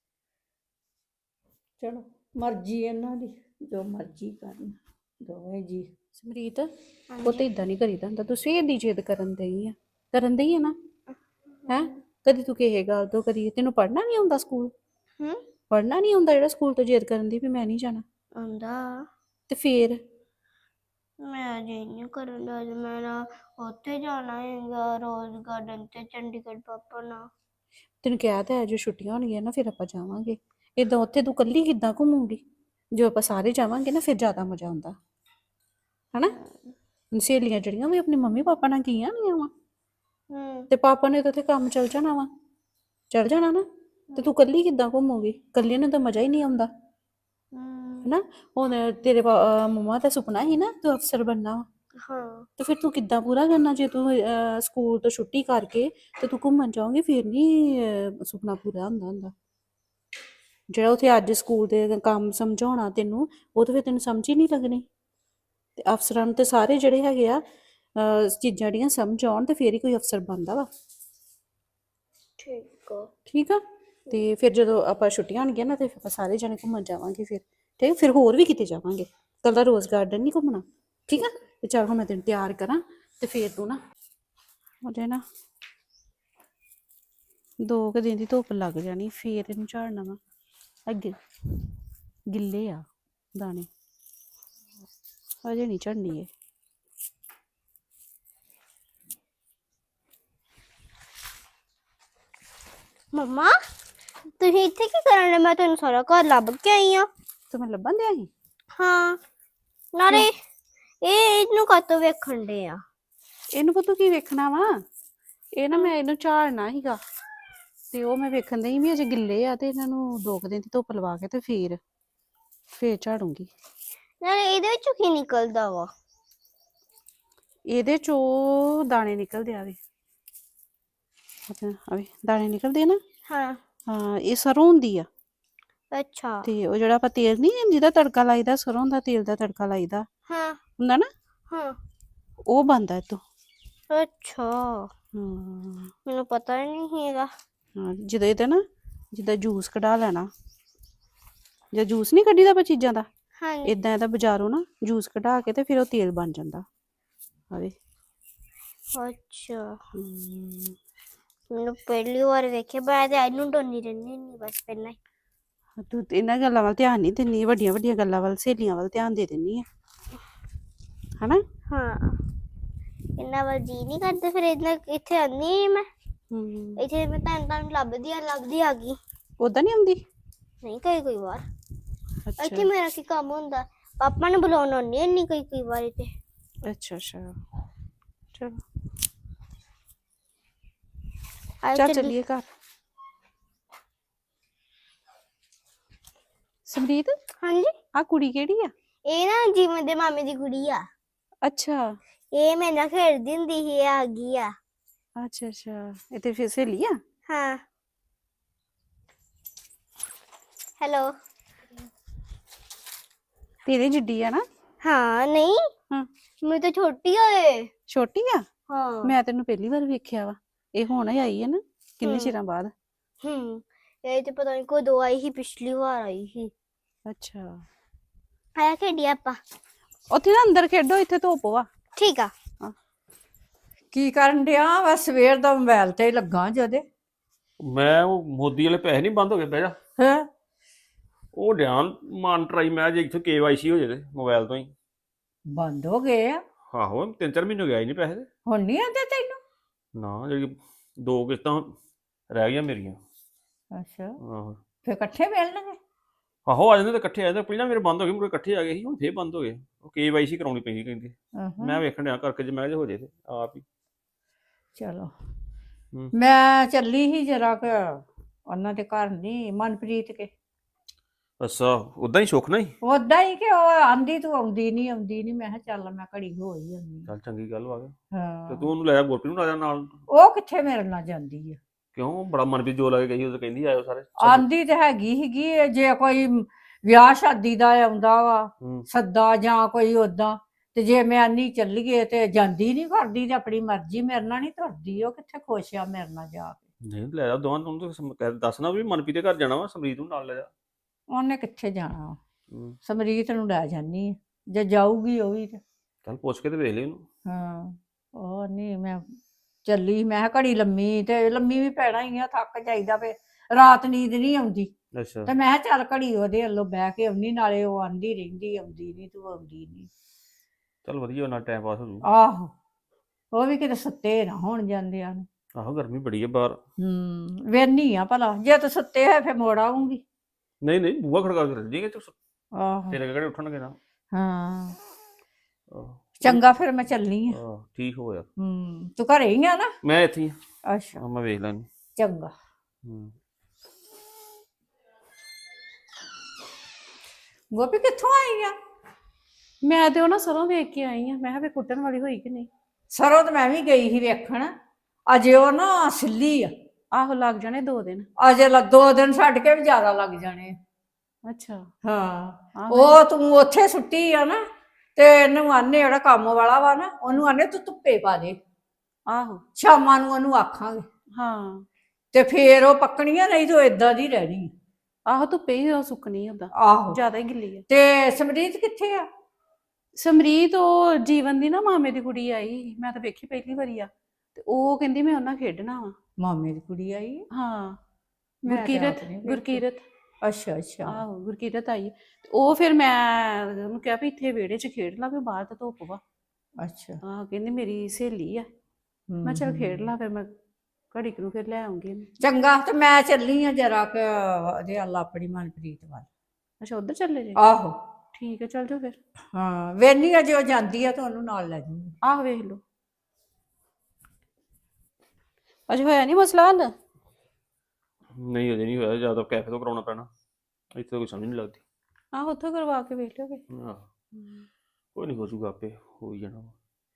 [SPEAKER 2] ਚਲੋ ਮਰਜ਼ੀ ਇਹਨਾਂ ਦੀ, ਜੋ ਮਰਜ਼ੀ ਕਰਨ ਦੋਵੇਂ ਜੀ।
[SPEAKER 3] ਸਮਰੀਤ ਉਹ ਤਾਂ ਇਦਾਂ ਨਹੀਂ ਕਰੀਦਾ ਹੁੰਦਾ, ਤੂੰ ਸਵੇਰ ਦੀ ਜਿੱਦ ਕਰਨ ਦਈ ਆ, ਕਰਨ ਦਈ ਆ ਨਾ? ਹੈ ਕਦੀ ਤੂੰ ਕਿਸੇ ਗੱਲ ਤੋਂ, ਕਦੀ ਤੈਨੂੰ ਪੜ੍ਹਨਾ ਨਹੀਂ ਆਉਂਦਾ ਸਕੂਲ?
[SPEAKER 1] ਹੂੰ
[SPEAKER 3] ਪੜ੍ਹਨਾ ਨਹੀਂ ਆਉਂਦਾ ਜਿਹੜਾ ਸਕੂਲ ਤੋਂ ਜਿੱਦ ਕਰਨ ਦੀ ਵੀ ਮੈਂ ਨਹੀਂ ਜਾਣਾ?
[SPEAKER 1] ਆਉਂਦਾ।
[SPEAKER 3] ਤੇ ਫੇਰ
[SPEAKER 1] ਮੈਂ ਅਜੇ ਨਹੀਂ ਕਰਨ ਦਾ, ਮੈਂ ਨਾ ਉੱਥੇ ਜਾਣਾ ਹੈਗਾ ਰੋਜ਼ ਗਾਰਡਨ ਤੇ ਚੰਡੀਗੜ੍ਹ ਪਾਪਾ ਨਾਲ।
[SPEAKER 3] ਤੈਨੂੰ ਕਿਹਾ ਤਾਂ ਹੈ ਜੋ ਛੁੱਟੀਆਂ ਹੋਣਗੀਆਂ ਨਾ ਫਿਰ ਆਪਾਂ ਜਾਵਾਂਗੇ। ਏਦਾਂ ਉੱਥੇ ਤੂੰ ਇਕੱਲੀ ਕਿੱਦਾਂ ਘੁੰਮੂਗੀ? ਜੋ ਆਪਾਂ ਸਾਰੇ ਜਾਵਾਂਗੇ ਨਾ ਫਿਰ ਜ਼ਿਆਦਾ ਮਜ਼ਾ ਆਉਂਦਾ, ਹਨਾ? ਸਹੇਲੀਆਂ ਜਿਹੜੀਆਂ ਵੀ ਆਪਣੇ ਮੰਮੀ ਪਾਪਾ ਨਾਲ ਗਈਆਂ ਨਹੀਂ ਵਾ,
[SPEAKER 1] ਹੂੰ
[SPEAKER 3] ਤੇ ਪਾਪਾ ਨੇ ਤਾਂ ਉੱਥੇ ਕੰਮ ਚੱਲ ਜਾਣਾ ਵਾ, ਚੱਲ ਜਾਣਾ ਨਾ, ਤੇ ਤੂੰ ਇਕੱਲੀ ਕਿੱਦਾਂ ਘੁੰਮੂਗੀ? ਇਕੱਲੀ ਨੂੰ ਤਾਂ ਮਜ਼ਾ ਹੀ ਨਹੀਂ ਆਉਂਦਾ,
[SPEAKER 1] ਹੂੰ
[SPEAKER 3] ਹਨਾ? ਹੁਣ ਤੇਰੇ ਮੰਮਾ ਦਾ ਸੁਪਨਾ ਸੀ ਨਾ ਤੂੰ ਅਫਸਰ ਬਣਨਾ ਵਾ,
[SPEAKER 1] ਹਾਂ
[SPEAKER 3] ਤੇ ਫਿਰ ਤੂੰ ਕਿੱਦਾਂ ਪੂਰਾ ਕਰਨਾ? ਜੇ ਤੂੰ ਸਕੂਲ ਤੋਂ ਛੁੱਟੀ ਕਰਕੇ ਤੇ ਤੂੰ ਘੁੰਮਣ ਜਾਓਗੇ ਫਿਰ ਨਹੀਂ ਸੁਪਨਾ ਪੂਰਾ ਹੁੰਦਾ ਹੁੰਦਾ। ਜਿਹੜਾ ਉੱਥੇ ਅੱਜ ਸਕੂਲ ਦੇ ਕੰਮ ਸਮਝਾਉਣਾ ਤੈਨੂੰ, ਉਹ ਤਾਂ ਫਿਰ ਤੈਨੂੰ ਸਮਝ ਹੀ ਨਹੀਂ ਲੱਗਣੀ। ਤੇ ਅਫਸਰਾਂ ਨੂੰ ਤੇ ਸਾਰੇ ਜਿਹੜੇ ਹੈਗੇ ਆ ਚੀਜ਼ਾਂ ਜਿਹੜੀਆਂ ਸਮਝ ਆਉਣ ਤੇ ਫਿਰ ਹੀ ਕੋਈ ਅਫਸਰ ਬਣਦਾ ਵਾ,
[SPEAKER 1] ਠੀਕ ਆ।
[SPEAKER 3] ਠੀਕ ਆ? ਤੇ ਫਿਰ ਜਦੋਂ ਆਪਾਂ ਛੁੱਟੀਆਂ ਹੋਣਗੀਆਂ ਨਾ ਤੇ ਆਪਾਂ ਸਾਰੇ ਜਣੇ ਘੁੰਮਣ ਜਾਵਾਂਗੇ ਫਿਰ, ਠੀਕ? ਫਿਰ ਹੋਰ ਵੀ ਕਿਤੇ ਜਾਵਾਂਗੇ, ਕੱਲਾ ਰੋਜ਼ ਗਾਰਡਨ ਨਹੀਂ ਘੁੰਮਣਾ, ਠੀਕ ਆ? ਤੇ ਚੱਲ ਹੁਣ ਮੈਂ ਤੈਨੂੰ ਤਿਆਰ ਕਰਾਂ ਤੇ ਫਿਰ ਤੂੰ ਨਾ ਉਹਦੇ ਨਾ ਦੋ ਕੁ ਦਿਨ ਦੀ ਧੁੱਪ ਲੱਗ ਜਾਣੀ ਫੇਰ ਇਹਨੂੰ ਝਾੜਨਾ ਵਾ। ਅੱਗੇ ਗਿੱਲੇ ਆ ਦਾਣੇ, ਅਜੇ ਨਹੀਂ ਝੜਨੀ ਇਹ।
[SPEAKER 1] ਮੰਮਾ ਤੁਸੀਂ ਇੱਥੇ ਕੀ ਕਰਨ ਡਏ? ਮੈਂ ਤੈਨੂੰ ਸਾਰਾ ਘਰ ਲੱਭ ਕੇ ਆਈ ਆ।
[SPEAKER 3] ਤੇ ਮੈਂ ਲੱਭਣ ਦਿਆ ਸੀ।
[SPEAKER 1] ਹਾਂ ਨਾਲੇ ਇਹ ਇਹਨੂੰ ਕਾਤੋਂ ਵੇਖਣ ਡੇ ਆ?
[SPEAKER 3] ਇਹਨੂੰ ਪਤਾ ਕੀ ਵੇਖਣਾ ਵਾ, ਇਹ ਨਾ ਮੈਂ ਇਹਨੂੰ ਝਾੜਨਾ ਸੀਗਾ ਤੇ ਉਹ ਮੈਂ ਵੇਖਣ ਦਈ ਵੀ ਅਜੇ ਗਿੱਲੇ ਆ ਤੇ ਇਹਨਾਂ ਨੂੰ ਦੋ ਕੁ ਦਿਨ ਦੀ ਧੁੱਪ ਲਵਾ ਕੇ ਤੇ ਫੇਰ ਫੇਰ ਝਾੜੂੰਗੀ।
[SPEAKER 1] ਨਾਲੇ ਇਹਦੇ ਵਿੱਚੋਂ ਕੀ ਨਿਕਲਦਾ ਵਾ?
[SPEAKER 3] ਇਹਦੇ ਚੋਂ ਦਾਣੇ ਨਿਕਲਦੇ ਆਵੇ, ਆਵੇ ਦਾਣੇ ਨਿਕਲਦੇ ਆ ਨਾ।
[SPEAKER 1] ਹਾਂ
[SPEAKER 3] ਹਾਂ ਇਹ ਸਰੋਂ ਹੁੰਦੀ ਆ
[SPEAKER 1] ਅੱਛਾ।
[SPEAKER 3] ਤੇ ਉਹ ਜਿਹੜਾ ਆਪਾਂ ਤੇਲ ਨਹੀਂ ਜਿਹਦਾ ਤੜਕਾ ਲਾਈਦਾ, ਸਰੋਂ ਦਾ ਤੇਲ ਦਾ ਤੜਕਾ ਲਾਈਦਾ
[SPEAKER 1] ਹਾਂ
[SPEAKER 3] ਹੁੰਦਾ ਨਾ,
[SPEAKER 1] ਹਾਂ
[SPEAKER 3] ਉਹ ਬਣਦਾ ਇਤੋਂ।
[SPEAKER 1] ਅੱਛਾ
[SPEAKER 3] ਹਾਂ
[SPEAKER 1] ਮੈਨੂੰ ਪਤਾ ਹੀ ਨਹੀਂ ਹੈਗਾ।
[SPEAKER 3] ਹਾਂ ਜਦੋਂ ਇਹਦਾ ਨਾ ਜਿੱਦਾਂ ਜੂਸ ਕਢਾ ਲੈਣਾ, ਜਾਂ ਜੂਸ ਨਹੀਂ ਕੱਢੀਦਾ ਆਪਾਂ ਚੀਜ਼ਾਂ ਦਾ,
[SPEAKER 1] ਹਾਂਜੀ
[SPEAKER 3] ਇਦਾਂ ਇਹਦਾ ਬਾਜ਼ਾਰੋਂ ਨਾ ਜੂਸ ਕਢਾ ਕੇ ਤੇ ਫਿਰ ਉਹ ਤੇਲ ਬਣ ਜਾਂਦਾ ਆਵੇ।
[SPEAKER 1] ਅੱਛਾ
[SPEAKER 3] ਹਮ,
[SPEAKER 1] ਮੈਨੂੰ ਪਹਿਲੀ ਵਾਰ ਵੇਖਿਆ। ਮੈਂ ਤੇ ਇਹਨੂੰ ਡੋਨੀ ਰਹਿੰਦੀ ਹੁੰਦੀ ਬਸ ਪਹਿਲਾਂ ਹੀ।
[SPEAKER 3] ਤੂੰ ਤੇ ਇਹਨਾਂ ਗੱਲਾਂ ਵੱਲ ਧਿਆਨ ਨਹੀਂ ਦਿੰਦੀ, ਵੱਡੀਆਂ ਵੱਡੀਆਂ ਗੱਲਾਂ ਵੱਲ ਸਹੇਲੀਆਂ ਵੱਲ ਧਿਆਨ ਦੇ ਦਿੰਦੀ ਆ ਹਨਾ।
[SPEAKER 1] ਹਾਂ ਇਹਨਾਂ ਵੱਲ ਜੀ ਨਹੀਂ ਕਰਦਾ, ਫਿਰ ਇਹਨਾਂ ਇੱਥੇ ਆਉਂਦੀ ਨਹੀਂ ਮੈਂ।
[SPEAKER 3] ਹਮ
[SPEAKER 1] ਇੱਥੇ ਮੈਂ ਤੁਹਾਨੂੰ ਤੁਹਾਨੂੰ ਲੱਭਦੀ ਆ ਲੱਭਦੀ ਆ ਗਈ।
[SPEAKER 3] ਉਦਾਂ ਨਹੀਂ ਆਉਂਦੀ।
[SPEAKER 1] ਨਹੀਂ ਕਈ ਕਈ ਵਾਰ
[SPEAKER 3] ਅੱਛਾ
[SPEAKER 1] ਇੱਥੇ ਮੇਰਾ ਕੀ ਕੰਮ ਹੁੰਦਾ, ਪਾਪਾ ਨੂੰ ਬੁਲਾਉਣ ਆਉਂਦੀ ਹੁੰਦੀ ਕਈ ਕਈ ਵਾਰ ਇੱਥੇ।
[SPEAKER 3] ਅੱਛਾ ਅੱਛਾ ਚਲੋ
[SPEAKER 1] ਆਓ
[SPEAKER 3] ਚੱਲ
[SPEAKER 1] ਚੱਲੀਏ।
[SPEAKER 3] ਚੱਲੀਏ ਘਰ। ਸਮਰੀਤ
[SPEAKER 1] ਹਾਂਜੀ
[SPEAKER 3] ਆ ਕੁੜੀ ਕਿਹੜੀ ਆ?
[SPEAKER 1] ਇਹ ਨਾ ਜੀਵਨ ਦੇ ਮਾਮੇ ਦੀ ਕੁੜੀ ਆ।
[SPEAKER 3] ਅੱਛਾ
[SPEAKER 1] ਇਹ ਮੇਰੇ ਨਾਲ ਖੇਡਦੀ ਹੁੰਦੀ ਸੀ, ਇਹ ਆ ਗਈ ਆ।
[SPEAKER 3] ਅੱਛਾ ਅੱਛਾ ਇਹ ਤੇ ਫਿਰ ਸਹੇਲੀ ਆ।
[SPEAKER 1] ਹਾਂ ਹੈਲੋ।
[SPEAKER 3] ਤੇਰੇ ਜਿੱਡੀ ਆ ਨਾ।
[SPEAKER 1] ਹਾਂ ਨਹੀਂ
[SPEAKER 3] ਹਾਂ
[SPEAKER 1] ਮੈਂ ਤਾਂ ਛੋਟੀ ਆ ਇਹ।
[SPEAKER 3] ਛੋਟੀ ਆ।
[SPEAKER 1] ਹਾਂ
[SPEAKER 3] ਮੈਂ ਤੈਨੂੰ ਪਹਿਲੀ ਵਾਰ ਵੇਖਿਆ ਵਾ, ਇਹ ਹੁਣ ਹੀ ਆਈ ਹੈ ਨਾ ਕਿੰਨੇ
[SPEAKER 1] ਹਮ।
[SPEAKER 3] ਚਿਰਾਂ ਬਾਅਦ।
[SPEAKER 1] ਹੂੰ ਇਹ ਤੇ ਪਤਾ ਨਹੀਂ ਕਦੋਂ ਆਈ ਸੀ, ਪਿਛਲੀ ਵਾਰ ਆਈ ਸੀ।
[SPEAKER 3] ਅੱਛਾ
[SPEAKER 1] ਆਇਆ ਖੇਡੀ ਆਪਾਂ।
[SPEAKER 3] ਉੱਥੇ ਨਾ ਅੰਦਰ ਖੇਡੋ, ਇੱਥੇ ਧੁੱਪ ਵਾ।
[SPEAKER 1] ਠੀਕ ਆ।
[SPEAKER 2] ਕੀ ਕਰਨ ਡਿਆ ਵਾ? ਸਵੇਰ ਦਾ ਮੋਬਾਈਲ ਤੇ ਹੀ ਲੱਗਾ ਜਦੇ।
[SPEAKER 4] ਮੈਂ ਉਹ ਮੋਦੀ ਵਾਲੇ ਪੈਸੇ ਨਹੀਂ ਬੰਦ ਹੋ ਗਏ, ਬਹਿ ਜਾ।
[SPEAKER 2] ਹੈ
[SPEAKER 4] ਉਹ ਧਿਆਨ ਮਾਨ ਟਰਾਈ ਮੈਂ ਜੇ ਇੱਥੇ ਕੇਵਾਈਸੀ ਹੋ ਜਾਵੇ ਮੋਬਾਈਲ ਤੋਂ ਹੀ।
[SPEAKER 2] ਬੰਦ ਹੋ ਗਏ ਆ?
[SPEAKER 4] ਆਹੋ ਤਿੰਨ ਚਾਰ ਮਹੀਨੇ ਹੋ ਗਿਆ ਹੀ ਨਹੀਂ ਪੈਸੇ ਤੇ।
[SPEAKER 2] ਹੁਣ ਨਹੀਂ ਆਉਂਦੇ ਤੈਨੂੰ?
[SPEAKER 4] ਨਾ ਜਿਹੜੀ ਦੋ ਕਿਸ਼ਤਾਂ ਰਹਿ ਗਈਆਂ ਮੇਰੀਆਂ।
[SPEAKER 2] ਅੱਛਾ
[SPEAKER 4] ਆਹੋ
[SPEAKER 2] ਫਿਰ ਇਕੱਠੇ ਮਿਲਣਗੇ?
[SPEAKER 4] ਆਹੋ ਆ ਜਾਂਦੇ ਤਾਂ ਇਕੱਠੇ ਆ ਜਾਂਦੇ। ਪਹਿਲਾਂ ਮੇਰੇ ਬੰਦ ਹੋ ਗਏ, ਮੁਰੇ ਇਕੱਠੇ ਆ ਗਏ ਸੀ, ਹੁਣ ਫੇਰ ਬੰਦ ਹੋ ਗਏ। ਉਹ ਕੇਵਾਈਸੀ ਕਰਾਉਣੀ ਪੈਂਦੀ ਕਹਿੰਦੇ।
[SPEAKER 2] ਅਹਾਂ,
[SPEAKER 4] ਮੈਂ ਵੇਖਣ ਡਿਆ ਕਰਕੇ, ਜੇ ਮੈਂ ਜੇ ਹੋ ਜੇ ਤੇ ਆਪ ਹੀ।
[SPEAKER 2] ਚਲੋ
[SPEAKER 4] ਹੂੰ।
[SPEAKER 2] ਮੈਂ ਚੱਲੀ ਸੀ ਜਰਾ ਕੁ ਉਹਨਾਂ ਦੇ ਘਰ, ਨਹੀਂ ਮਨਪ੍ਰੀਤ ਕੇ।
[SPEAKER 4] ਅੱਛਾ ਉਦਾਂ ਹੀ ਸੁੱਖ ਨਹੀਂ।
[SPEAKER 2] ਉਦਾਂ ਹੀ ਕਿ ਉਹ ਆਂਦੀ ਤੂੰ ਆਉਂਦੀ ਨਹੀਂ ਆਉਂਦੀ ਨਹੀਂ, ਮੈਂ ਕਿਹਾ ਚੱਲ ਮੈਂ ਘੜੀ ਹੋ ਹੀ ਆਉਂਦੀ।
[SPEAKER 4] ਚੱਲ ਚੰਗੀ ਗੱਲ ਵਾ ਗਿਆ। ਤੇ
[SPEAKER 2] ਹਾਂ
[SPEAKER 4] ਤੂੰ ਉਹਨੂੰ ਲੈ ਜਾ, ਗੁਰਪ੍ਰੀਤ ਨੂੰ ਲੈ ਜਾ ਨਾਲ।
[SPEAKER 2] ਉਹ ਕਿੱਥੇ ਮੇਰੇ ਨਾਲ ਜਾਂਦੀ ਆ?
[SPEAKER 4] ਕਿਉਂ ਬੜਾ ਮਨਪ੍ਰੀਤ ਜੋ ਲੱਗੇ ਗਈ, ਉਹ ਤਾਂ ਕਹਿੰਦੀ ਆਇਓ ਸਾਰੇ।
[SPEAKER 2] ਆਂਦੀ ਤੇ ਹੈਗੀ ਸੀਗੀ, ਜੇ ਕੋਈ ਵਿਆਹ ਸ਼ਾਦੀ ਦਾ ਆਉਂਦਾ ਵਾ
[SPEAKER 4] ਹੂੰ
[SPEAKER 2] ਸੱਦਾ ਜਾਂ ਕੋਈ ਉਦਾਂ, ਤੇ ਜੇ ਮੈਂ ਆਨੀ ਚੱਲੀਏ ਤੇ ਜਾਂਦੀ ਨਹੀਂ, ਕਰਦੀ ਤੇ ਆਪਣੀ ਮਰਜ਼ੀ, ਮੇਰੇ ਨਾਲ ਨਹੀਂ ਤੁਰਦੀ। ਉਹ ਕਿੱਥੇ ਖੁਸ਼ ਆ ਮੇਰੇ ਨਾਲ ਜਾ ਕੇ?
[SPEAKER 4] ਨਹੀਂ ਲੈ ਜਾ ਦੋਵਾਂ ਨੂੰ। ਤਾਂ ਦੱਸਣਾ ਵੀ ਮਨਪ੍ਰੀਤ ਦੇ ਘਰ ਜਾਣਾ ਵਾ, ਸਮਰੀਤ ਨੂੰ ਨਾਲ ਲੈ ਜਾ।
[SPEAKER 2] ਉਹਨੇ ਕਿੱਥੇ ਜਾਣਾ?
[SPEAKER 4] ਹੂੰ
[SPEAKER 2] ਸਮਰੀਤ ਨੂੰ ਲੈ ਜਾਨੀ ਆ, ਜੇ ਜਾਊਗੀ ਉਹ ਵੀ ਤੇ।
[SPEAKER 4] ਚੱਲ ਪੁੱਛ ਕੇ ਤੇ ਵੇਖ ਲਈ ਉਹਨੂੰ।
[SPEAKER 2] ਹਾਂ ਉਹ ਨਹੀਂ, ਮੈਂ ਚੱਲੀ, ਮੈਂ ਕਿਹਾ ਘੜੀ ਲੰਮੀ, ਤੇ ਲੰਮੀ ਵੀ ਪੈਣਾ ਹੀ ਆ, ਥੱਕ ਜਾਈਦਾ, ਫੇ ਰਾਤ ਨੀਂਦ ਨਹੀਂ ਆਉਂਦੀ।
[SPEAKER 4] ਅੱਛਾ
[SPEAKER 2] ਤੇ ਮੈਂ ਕਿਹਾ ਚੱਲ ਘੜੀ ਉਹਦੇ ਵੱਲੋਂ ਬਹਿ ਕੇ ਆਉਣੀ, ਨਾਲੇ ਉਹ ਆਂਦੀ ਰਹਿੰਦੀ ਆਉਂਦੀ ਨਹੀਂ, ਤੂੰ ਆਉਂਦੀ ਨਹੀਂ।
[SPEAKER 4] ਚੱਲ ਵਧੀਆ, ਨਾਲ ਟਾਈਮ ਪਾਸ ਹੋ ਜੂ।
[SPEAKER 2] ਆਹੋ ਉਹ ਵੀ ਕਿਤੇ ਸੁੱਤੇ ਨਾ ਹੋਣ ਜਾਂਦਿਆਂ ਨੂੰ।
[SPEAKER 4] ਆਹੋ ਗਰਮੀ ਬੜੀ ਹੈ ਬਾਹਰ।
[SPEAKER 2] ਹੂੰ ਵੇਹਨੀ ਆ ਭਲਾ, ਜੇ ਤੂੰ ਸੁੱਤੇ ਹੋਏ ਫੇ ਮੋੜ ਆਉਂਗੀ।
[SPEAKER 4] ਨਹੀਂ ਨਹੀਂ ਬੂਹਾ ਖੜਕਾ ਕੇ ਰੱਖ ਜੀਗੇ ਤੂੰ,
[SPEAKER 2] ਆਹੋ
[SPEAKER 4] ਤੇਰੇ ਕਿਹੜੇ ਉੱਠਣਗੇ ਨਾ।
[SPEAKER 2] ਹਾਂ
[SPEAKER 4] ਆਹੋ
[SPEAKER 2] ਚੰਗਾ ਫਿਰ ਮੈਂ ਚੱਲਨੀ ਆ।
[SPEAKER 4] ਆਹ, ਠੀਕ ਹੋ ਯਾਰ।
[SPEAKER 2] ਹੂੰ ਤੂੰ ਘਰੇ ਹੀ ਆ ਨਾ?
[SPEAKER 4] ਮੈਂ ਇੱਥੇ ਹੀ ਆ।
[SPEAKER 2] ਅੱਛਾ
[SPEAKER 4] ਆਹ, ਮੈਂ ਵੇਖ ਲੈਣੀ।
[SPEAKER 2] ਚੰਗਾ।
[SPEAKER 4] ਹੂੰ
[SPEAKER 2] ਗੋਪੀ ਕਿੱਥੋਂ ਆਈ ਆ?
[SPEAKER 3] ਮੈਂ ਤੇ ਉਹ ਨਾ ਸਰੋਂ ਵੇਖ ਕੇ ਆਈ ਆ, ਮੈਂ ਕਿਹਾ ਵੀ ਕੁੱਟਣ ਵਾਲੀ ਹੋਈ ਕਿ ਨਹੀਂ।
[SPEAKER 2] ਸਰੋਂ ਤਾਂ ਮੈਂ ਵੀ ਗਈ ਸੀ ਵੇਖਣ, ਅਜੇ ਉਹ ਨਾ ਸਿੱਲੀ ਆ।
[SPEAKER 3] ਆਹੋ ਲੱਗ ਜਾਣੇ ਦੋ ਦਿਨ।
[SPEAKER 2] ਅਜੇ ਲ ਦੋ ਦਿਨ ਛੱਡ ਕੇ ਵੀ ਜ਼ਿਆਦਾ ਲੱਗ ਜਾਣੇ ਆ।
[SPEAKER 3] ਅੱਛਾ
[SPEAKER 2] ਹਾਂ
[SPEAKER 3] ਆਹੋ।
[SPEAKER 2] ਉਹ ਤੂੰ ਉੱਥੇ ਸੁੱਟੀ ਆ ਨਾ, ਤੇ ਇਹਨੂੰ ਆਨੇ ਜਿਹੜਾ ਕੰਮ ਵਾਲਾ ਵਾ ਨਾ, ਉਹਨੂੰ ਆਨੇ ਤੂੰ ਧੁੱਪੇ ਪਾ ਦੇ,
[SPEAKER 3] ਆਹੋ
[SPEAKER 2] ਸ਼ਾਮਾਂ ਨੂੰ ਉਹਨੂੰ ਆਖਾਂਗੇ,
[SPEAKER 3] ਹਾਂ
[SPEAKER 2] ਤੇ ਫੇਰ ਉਹ ਪੱਕਣੀਆਂ, ਨਹੀਂ ਤਾਂ ਏਦਾਂ ਦੀ ਰਹਿਣੀ।
[SPEAKER 3] ਆਹੋ ਧੁੱਪੇ ਹੀ ਉਹ ਸੁੱਕਣੀ ਓਦਾਂ,
[SPEAKER 2] ਆਹੋ
[SPEAKER 3] ਜ਼ਿਆਦਾ ਹੀ ਗਿੱਲੀ ਆ।
[SPEAKER 2] ਤੇ ਸਮਰੀਤ ਕਿੱਥੇ ਆ?
[SPEAKER 3] ਸਮਰੀਤ ਉਹ ਜੀਵਨ ਦੀ ਨਾ ਮਾਮੇ ਦੀ ਕੁੜੀ ਆਈ, ਮੈਂ ਤਾਂ ਵੇਖੀ ਪਹਿਲੀ ਵਾਰੀ ਆ, ਤੇ ਉਹ ਕਹਿੰਦੀ ਮੈਂ ਉਹਨਾਂ ਖੇਡਣਾ ਵਾ।
[SPEAKER 2] ਮਾਮੇ ਦੀ ਕੁੜੀ ਆਈ ਹੈ?
[SPEAKER 3] ਹਾਂ
[SPEAKER 2] ਮੈਂ ਤੇ ਆਪ
[SPEAKER 3] ਗੁਰਕੀਰਤ
[SPEAKER 2] ਨਹੀਂ ਵੇਖੀ।
[SPEAKER 3] ਗੁਰਕੀਰਤ
[SPEAKER 2] ਅੱਛਾ ਅੱਛਾ।
[SPEAKER 3] ਆਹੋ ਗੁਰਕੀਰਤ ਆਈ ਹੈ। ਤੇ ਉਹ ਫਿਰ ਮੈਂ ਉਹਨੂੰ ਕਿਹਾ ਵੀ ਇੱਥੇ ਵਿਹੜੇ 'ਚ ਖੇਡ ਲਾ ਵੀ ਬਾਹਰ ਤਾਂ ਧੁੱਪ ਵਾ।
[SPEAKER 2] ਅੱਛਾ।
[SPEAKER 3] ਆਹ ਕਹਿੰਦੀ ਮੇਰੀ ਸਹੇਲੀ ਆ। ਮੈਂ
[SPEAKER 2] ਹਮ,
[SPEAKER 3] ਚੱਲ ਖੇਡ
[SPEAKER 2] ਹਮ।
[SPEAKER 3] ਲਾ ਫਿਰ ਮੈਂ ਘੜੀ ਕੁ ਨੂੰ ਫਿਰ ਲੈ ਆਉਂਗੀ ਇਹਨੂੰ।
[SPEAKER 2] ਚੰਗਾ ਤੇ ਮੈਂ ਚੱਲੀ ਆ ਜਰਾ ਕਿ ਉਹਦੇ ਅੱਲ ਆਪਣੀ ਮਨਪ੍ਰੀਤ ਵੱਲ।
[SPEAKER 3] ਅੱਛਾ ਉਧਰ ਚੱਲੇ ਜੇ?
[SPEAKER 2] ਆਹੋ।
[SPEAKER 3] ਠੀਕ ਹੈ ਚੱਲ ਜਾਓ ਫਿਰ।
[SPEAKER 2] ਹਾਂ ਵੇਨੀ ਆ ਜੇ ਉਹ ਜਾਂਦੀ ਆ ਤਾਂ ਉਹਨੂੰ ਨਾਲ ਲੈ ਜੂੰਗੀ।
[SPEAKER 3] ਆਹ ਵੇਖ ਲਓ ਅਜੇ ਹੋਇਆ ਨਹੀਂ ਮਸਲਾ ਹੱਲ?
[SPEAKER 4] ਨਹੀਂ ਅਜੇ ਨਹੀਂ ਹੋਇਆ, ਜ਼ਿਆਦਾ ਕੈਫੇ ਤੋਂ ਕਰਾਉਣਾ ਪੈਣਾ, ਇੱਥੇ ਤਾਂ ਕੋਈ ਸਮਝ ਨਹੀਂ ਲੱਗਦੀ।
[SPEAKER 3] ਆਹ ਉੱਥੋਂ ਕਰਵਾ ਕੇ ਵੇਖ ਲਿਓਗੇ।
[SPEAKER 4] ਆਹ ਕੋਈ ਨਹੀਂ ਹੋ ਜੂਗਾ, ਆਪੇ ਹੋ ਹੀ ਜਾਣਾ ਵਾ।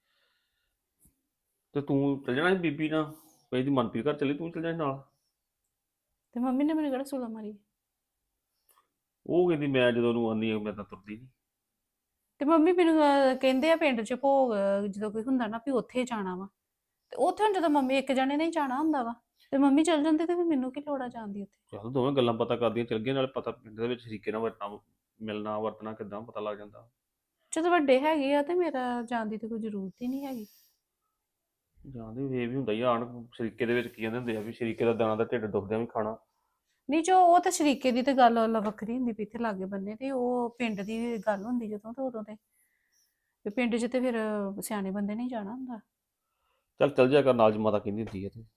[SPEAKER 4] ਤੇ ਤੂੰ ਚੱਲ ਜਾਣਾ ਸੀ ਬੀਬੀ ਨਾਲ, ਕੋਈ ਦੀ ਮਨਪ੍ਰੀਤ ਘਰ ਚੱਲੀ, ਤੂੰ ਚੱਲ ਜਾਣਾ ਨਾਲ।
[SPEAKER 3] ਤੇ ਮੰਮੀ ਨੇ ਮੈਨੂੰ ਕਿਹੜਾ ਸੁਲਾ ਮਾਰੀ?
[SPEAKER 4] ਉਹ ਕਹਿੰਦੀ ਮੈਂ ਜਦੋਂ ਉਹਨੂੰ ਆਉਂਦੀ ਆ ਮੈਂ ਤਾਂ ਤੁਰਦੀ ਨਹੀਂ।
[SPEAKER 3] ਤੇ ਮੰਮੀ ਮੈਨੂੰ ਅਹ, ਕਹਿੰਦੇ ਆ ਪਿੰਡ 'ਚ ਭੋਗ ਅਹ, ਜਦੋਂ ਕੋਈ ਹੁੰਦਾ ਨਾ ਵੀ ਉੱਥੇ ਜਾਣਾ ਵਾ। ਤੇ ਉੱਥੇ ਹੁਣ ਜਦੋਂ ਮੰਮੀ ਇੱਕ ਜਾਣੇ ਨਹੀਂ ਜਾਣਾ ਹੁੰਦਾ ਵਾ ਤੇ ਮੰਮੀ ਚੱਲ ਜਾਂਦੇ ਤੇ ਫਿਰ ਮੈਨੂੰ ਕੀ ਲੋੜ ਆ ਜਾਣ ਦੀ ਉੱਥੇ?
[SPEAKER 4] ਚੱਲ ਦੋਵੇਂ ਗੱਲਾਂ ਪਤਾ ਕਰਦੀਆਂ ਚੱਲ ਗਈਆਂ, ਨਾਲੇ ਪਤਾ ਪਿੰਡ ਦੇ ਵਿੱਚ ਸ਼ਰੀਕੇ ਨਾਲ ਵਰਤਣਾ ਮਿਲਣਾ ਵਰਤਣਾ ਕਿੱਦਾਂ ਪਤਾ ਲੱਗ ਜਾਂਦਾ।
[SPEAKER 3] ਜਦੋਂ ਵੱਡੇ ਹੈਗੇ ਆ ਤੇ ਮੇਰਾ ਜਾਣ ਦੀ ਤੇ ਕੋਈ ਜ਼ਰੂਰਤ ਹੀ ਨਹੀਂ ਹੈਗੀ।
[SPEAKER 4] ਜਾਂਦੇ ਵੀ ਇਹ ਵੀ ਹੁੰਦਾ ਹੀ ਆ, ਆਣ ਸ਼ਰੀਕੇ ਦੇ ਵਿੱਚ ਕੀ ਕਹਿੰਦੇ ਹੁੰਦੇ ਆ ਵੀ ਸ਼ਰੀਕੇ ਦਾ ਦਾਣਾ ਦਾ ਢਿੱਡ ਦੁਖਦਿਆਂ ਵੀ ਖਾਣਾ।
[SPEAKER 3] ਨਹੀਂ ਜੋ ਉਹ ਤਾਂ ਸ਼ਰੀਕੇ ਦੀ ਤੇ ਗੱਲ ਅਲੱਗ ਵੱਖਰੀ ਹੁੰਦੀ ਵੀ ਇੱਥੇ ਲਾਗੇ ਬੰਨੇ ਤੇ ਉਹ ਪਿੰਡ ਦੀ ਗੱਲ ਹੁੰਦੀ ਜਦੋਂ ਤੇ ਉਦੋਂ ਤੇ ਵੀ ਪਿੰਡ 'ਚ ਤੇ ਫਿਰ ਸਿਆਣੇ ਬੰਦੇ ਨਹੀਂ ਜਾਣਾ ਹੁੰਦਾ।
[SPEAKER 4] ਚੱਲ ਚੱਲ ਜਾ ਕਰ ਨਾਲ, ਜੇ ਮਾਤਾ ਕਹਿੰਦੀ ਹੁੰਦੀ ਹੈ ਤੇ।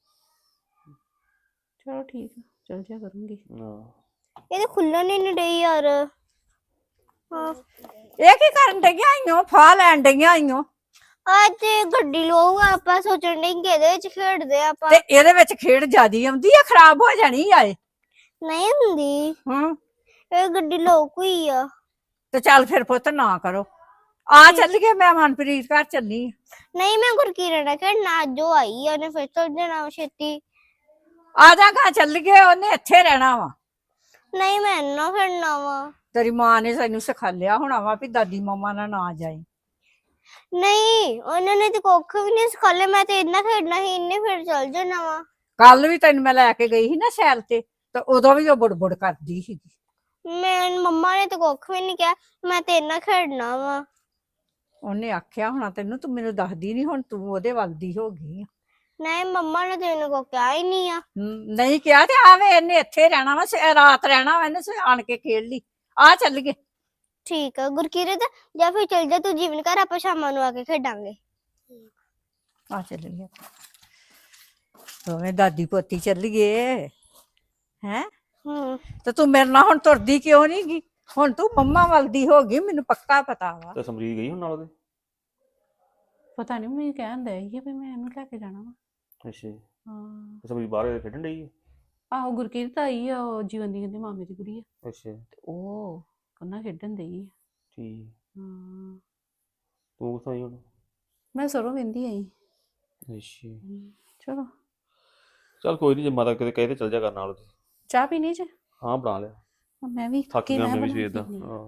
[SPEAKER 3] ਚਲੋ ਠੀਕ ਆ ਚੱਲ ਜਿਆ ਕਰੂੰਗੀ।
[SPEAKER 4] ਹਾਂ
[SPEAKER 1] ਇਹ ਤਾਂ ਖੁੱਲਣ ਹੀ ਨਹੀਂ ਡਈ ਯਾਰ। ਹਾਂ
[SPEAKER 2] ਇਹ ਕੀ ਕਰਨ ਡਈਆਂ ਆਈਓ, ਫਾਹ ਲੈਣ ਡਈਆਂ ਆਈਓ?
[SPEAKER 1] ਅੱਜ ਗੱਡੀ ਲਵਾਂਗਾ ਆਪਾਂ, ਸੋਚਣ ਡਏ ਕਿ ਇਹਦੇ ਵਿੱਚ ਖੇਡਦੇ ਆ ਆਪਾਂ।
[SPEAKER 2] ਤੇ ਇਹਦੇ ਵਿੱਚ ਖੇਡ ਜਿਆਦੀ ਆਉਂਦੀ ਆ, ਖਰਾਬ ਹੋ ਜਾਣੀ ਆਏ।
[SPEAKER 1] ਨਹੀਂ ਹੁੰਦੀ,
[SPEAKER 2] ਹੂੰ
[SPEAKER 1] ਇਹ ਗੱਡੀ ਲੋਕ ਹੋਈ ਆ।
[SPEAKER 2] ਤੇ ਚੱਲ ਫਿਰ ਪੁੱਤ ਨਾ ਕਰੋ, ਆ ਚੱਲ ਗਏ, ਮੈਂ ਮਨਪ੍ਰੀਤ ਘਰ ਚੱਲੀ ਆਂ।
[SPEAKER 1] ਨਹੀਂ ਮੈਂ ਗੁਰਕੀਰਤ ਨਾਲ ਖੇਡਣਾ, ਅੱਜ ਉਹ ਆਈ ਆ, ਉਹਨੇ ਫਿਰ ਚੱਲ ਜਾਣਾ ਵਾ ਛੇਤੀ।
[SPEAKER 2] ਆ ਜਾਗਾ ਚੱਲ ਗਏ, ਉਹਨੇ ਇੱਥੇ ਰਹਿਣਾ ਵਾ।
[SPEAKER 1] ਨਹੀਂ ਮੈਂ ਨਾ ਖੇਡਣਾ ਵਾ।
[SPEAKER 2] ਤੇਰੀ ਮਾਂ ਨੇ ਸਾਨੂੰ ਸਿਖਾਲਿਆ ਹੋਣਾ ਵਾ ਵੀ ਦਾਦੀ ਮੰਮਾ ਨਾਲ ਨਾ ਜਾਈ।
[SPEAKER 1] ਨਹੀਂ ਉਹਨਾਂ ਨੇ ਤੇ ਕੁੱਖ ਵੀ ਨਹੀਂ ਸਿਖਾਲੇ, ਮੈਂ ਤੇ ਇੰਨਾ ਖੇਡਣਾ ਸੀ, ਇੰਨੇ ਫਿਰ ਚੱਲ ਜਾਣਾ ਵਾ।
[SPEAKER 2] ਕੱਲ ਵੀ ਤੈਨੂੰ ਮੈਂ ਲੈ ਕੇ ਗਈ ਸੀ ਨਾ ਸੈਲ ਤੇ, ਤੇ ਉਦੋਂ ਵੀ ਉਹ ਬੁੜਬੁੜ ਕਰਦੀ ਸੀਗੀ।
[SPEAKER 1] ਮੈਂ ਮੰਮਾ ਨੇ ਤੇ ਕੁੱਖ ਵੀ ਨਹੀਂ ਕਿਹਾ, ਮੈਂ ਤੇ ਇੰਨਾ ਖੇਡਣਾ ਵਾ।
[SPEAKER 2] ਉਹਨੇ ਆਖਿਆ ਹੋਣਾ ਤੈਨੂੰ, ਤੂੰ ਮੈਨੂੰ ਦੱਸਦੀ ਨਹੀਂ, ਹੁਣ ਤੂੰ ਉਹਦੇ ਵੱਲ ਦੀ ਹੋ ਗਈ ਆ।
[SPEAKER 1] ਨਹੀਂ ਮੰਮਾ ਨੇ ਤੇ ਇਹਨੂੰ ਕੁੱਖ ਕਿਹਾ ਹੀ ਨਹੀਂ ਆ।
[SPEAKER 2] ਹਮ, ਨਹੀਂ ਕਿਹਾ ਤੇ ਆਵੇ ਇਹਨੇ ਇੱਥੇ ਰਹਿਣਾ ਵਾ, ਸ- ਰਾਤ ਰਹਿਣਾ ਵਾ, ਇਹਨੇ ਸ- ਆਣ ਕੇ ਖੇਡ ਲਈ। ਆ ਚੱਲ ਗਏ।
[SPEAKER 1] ਠੀਕ ਆ ਗੁਰਕੀਰਤ, ਜਾਂ ਫਿਰ ਚੱਲ ਜਾ ਤੂੰ ਜੀਵਨ ਘਰ, ਆਪਾਂ ਸ਼ਾਮਾਂ ਨੂੰ ਆ ਕੇ ਖੇਡਾਂਗੇ।
[SPEAKER 2] ਆ ਚੱਲ ਗਏ ਦੋਵੇਂ ਦਾਦੀ ਪੋਤੀ ਚੱਲ ਗਏ ਹੈ।
[SPEAKER 1] ਹੂੰ
[SPEAKER 2] ਤੇ ਤੂੰ ਮੇਰੇ ਨਾਲ ਹੁਣ ਤੁਰਦੀ ਕਿਉਂ ਨਹੀਂ ਗੀ? ਹੁਣ ਤੂੰ ਮੰਮਾ ਵੱਲ ਦੀ ਹੋ ਗਈ, ਮੈਨੂੰ ਪੱਕਾ ਪਤਾ ਵਾ।
[SPEAKER 4] ਤੇ ਸਮਰੀਤ ਗਈ ਹੁਣ ਨਾਲ ਉਹਦੇ?
[SPEAKER 3] ਪਤਾ ਨਹੀਂ ਮੈਨੂੰ ਕਹਿਣ ਦਿਆ ਸੀ ਵੀ ਮੈਂ ਇਹਨੂੰ ਲੈ ਕੇ ਜਾਣਾ ਵਾ।
[SPEAKER 4] ਅੱਛਾ
[SPEAKER 3] ਹਾਂ
[SPEAKER 4] ਤੇ ਸਮਰੀਤ ਬਾਹਰ ਖੇਡਣ ਡਈ ਹੈ?
[SPEAKER 3] ਆਹੋ ਗੁਰਕੀਰਤ ਆਈ ਆ, ਉਹ ਜੀਵਨ ਦੀ ਕਹਿੰਦੇ ਮਾਮੇ ਦੀ ਕੁੜੀ ਆ
[SPEAKER 4] ਅੱਛਾ
[SPEAKER 3] ਤੇ ਉਹ ਕੰਨਾ ਖੇਡਣ ਡਈ ਆ।
[SPEAKER 4] ਠੀਕ।
[SPEAKER 3] ਹਾਂ
[SPEAKER 4] ਤੂੰ ਕਿੱਥੋਂ ਆਈ ਹੁਣ?
[SPEAKER 3] ਮੈਂ ਸਰੋਂ ਵਹਿੰਦੀ ਆਈ।
[SPEAKER 4] ਅੱਛਾ
[SPEAKER 3] ਚਲੋ
[SPEAKER 4] ਚੱਲ ਕੋਈ ਨਹੀਂ, ਜੇ ਮਾਤਾ ਕਿਤੇ ਕਹੇ ਤੇ ਚੱਲ ਜਾ ਕਰ ਨਾਲ ਉਹਦੇ।
[SPEAKER 3] ਚਾਹ ਪੀਣੀ ਜੇ?
[SPEAKER 4] ਹਾਂ ਬਣਾ ਲਿਆ,
[SPEAKER 3] ਮੈਂ ਵੀ
[SPEAKER 4] ਥੱਕ
[SPEAKER 3] ਥੱਕੀ,
[SPEAKER 4] ਗਿਆ
[SPEAKER 3] ਮੈਂ
[SPEAKER 4] ਮੈਂ ਵੀ
[SPEAKER 3] ਬਣਾ
[SPEAKER 4] ਸਵੇਰ ਦਾ।
[SPEAKER 3] ਪੀਣੀ ਆ।
[SPEAKER 4] ਹਾਂ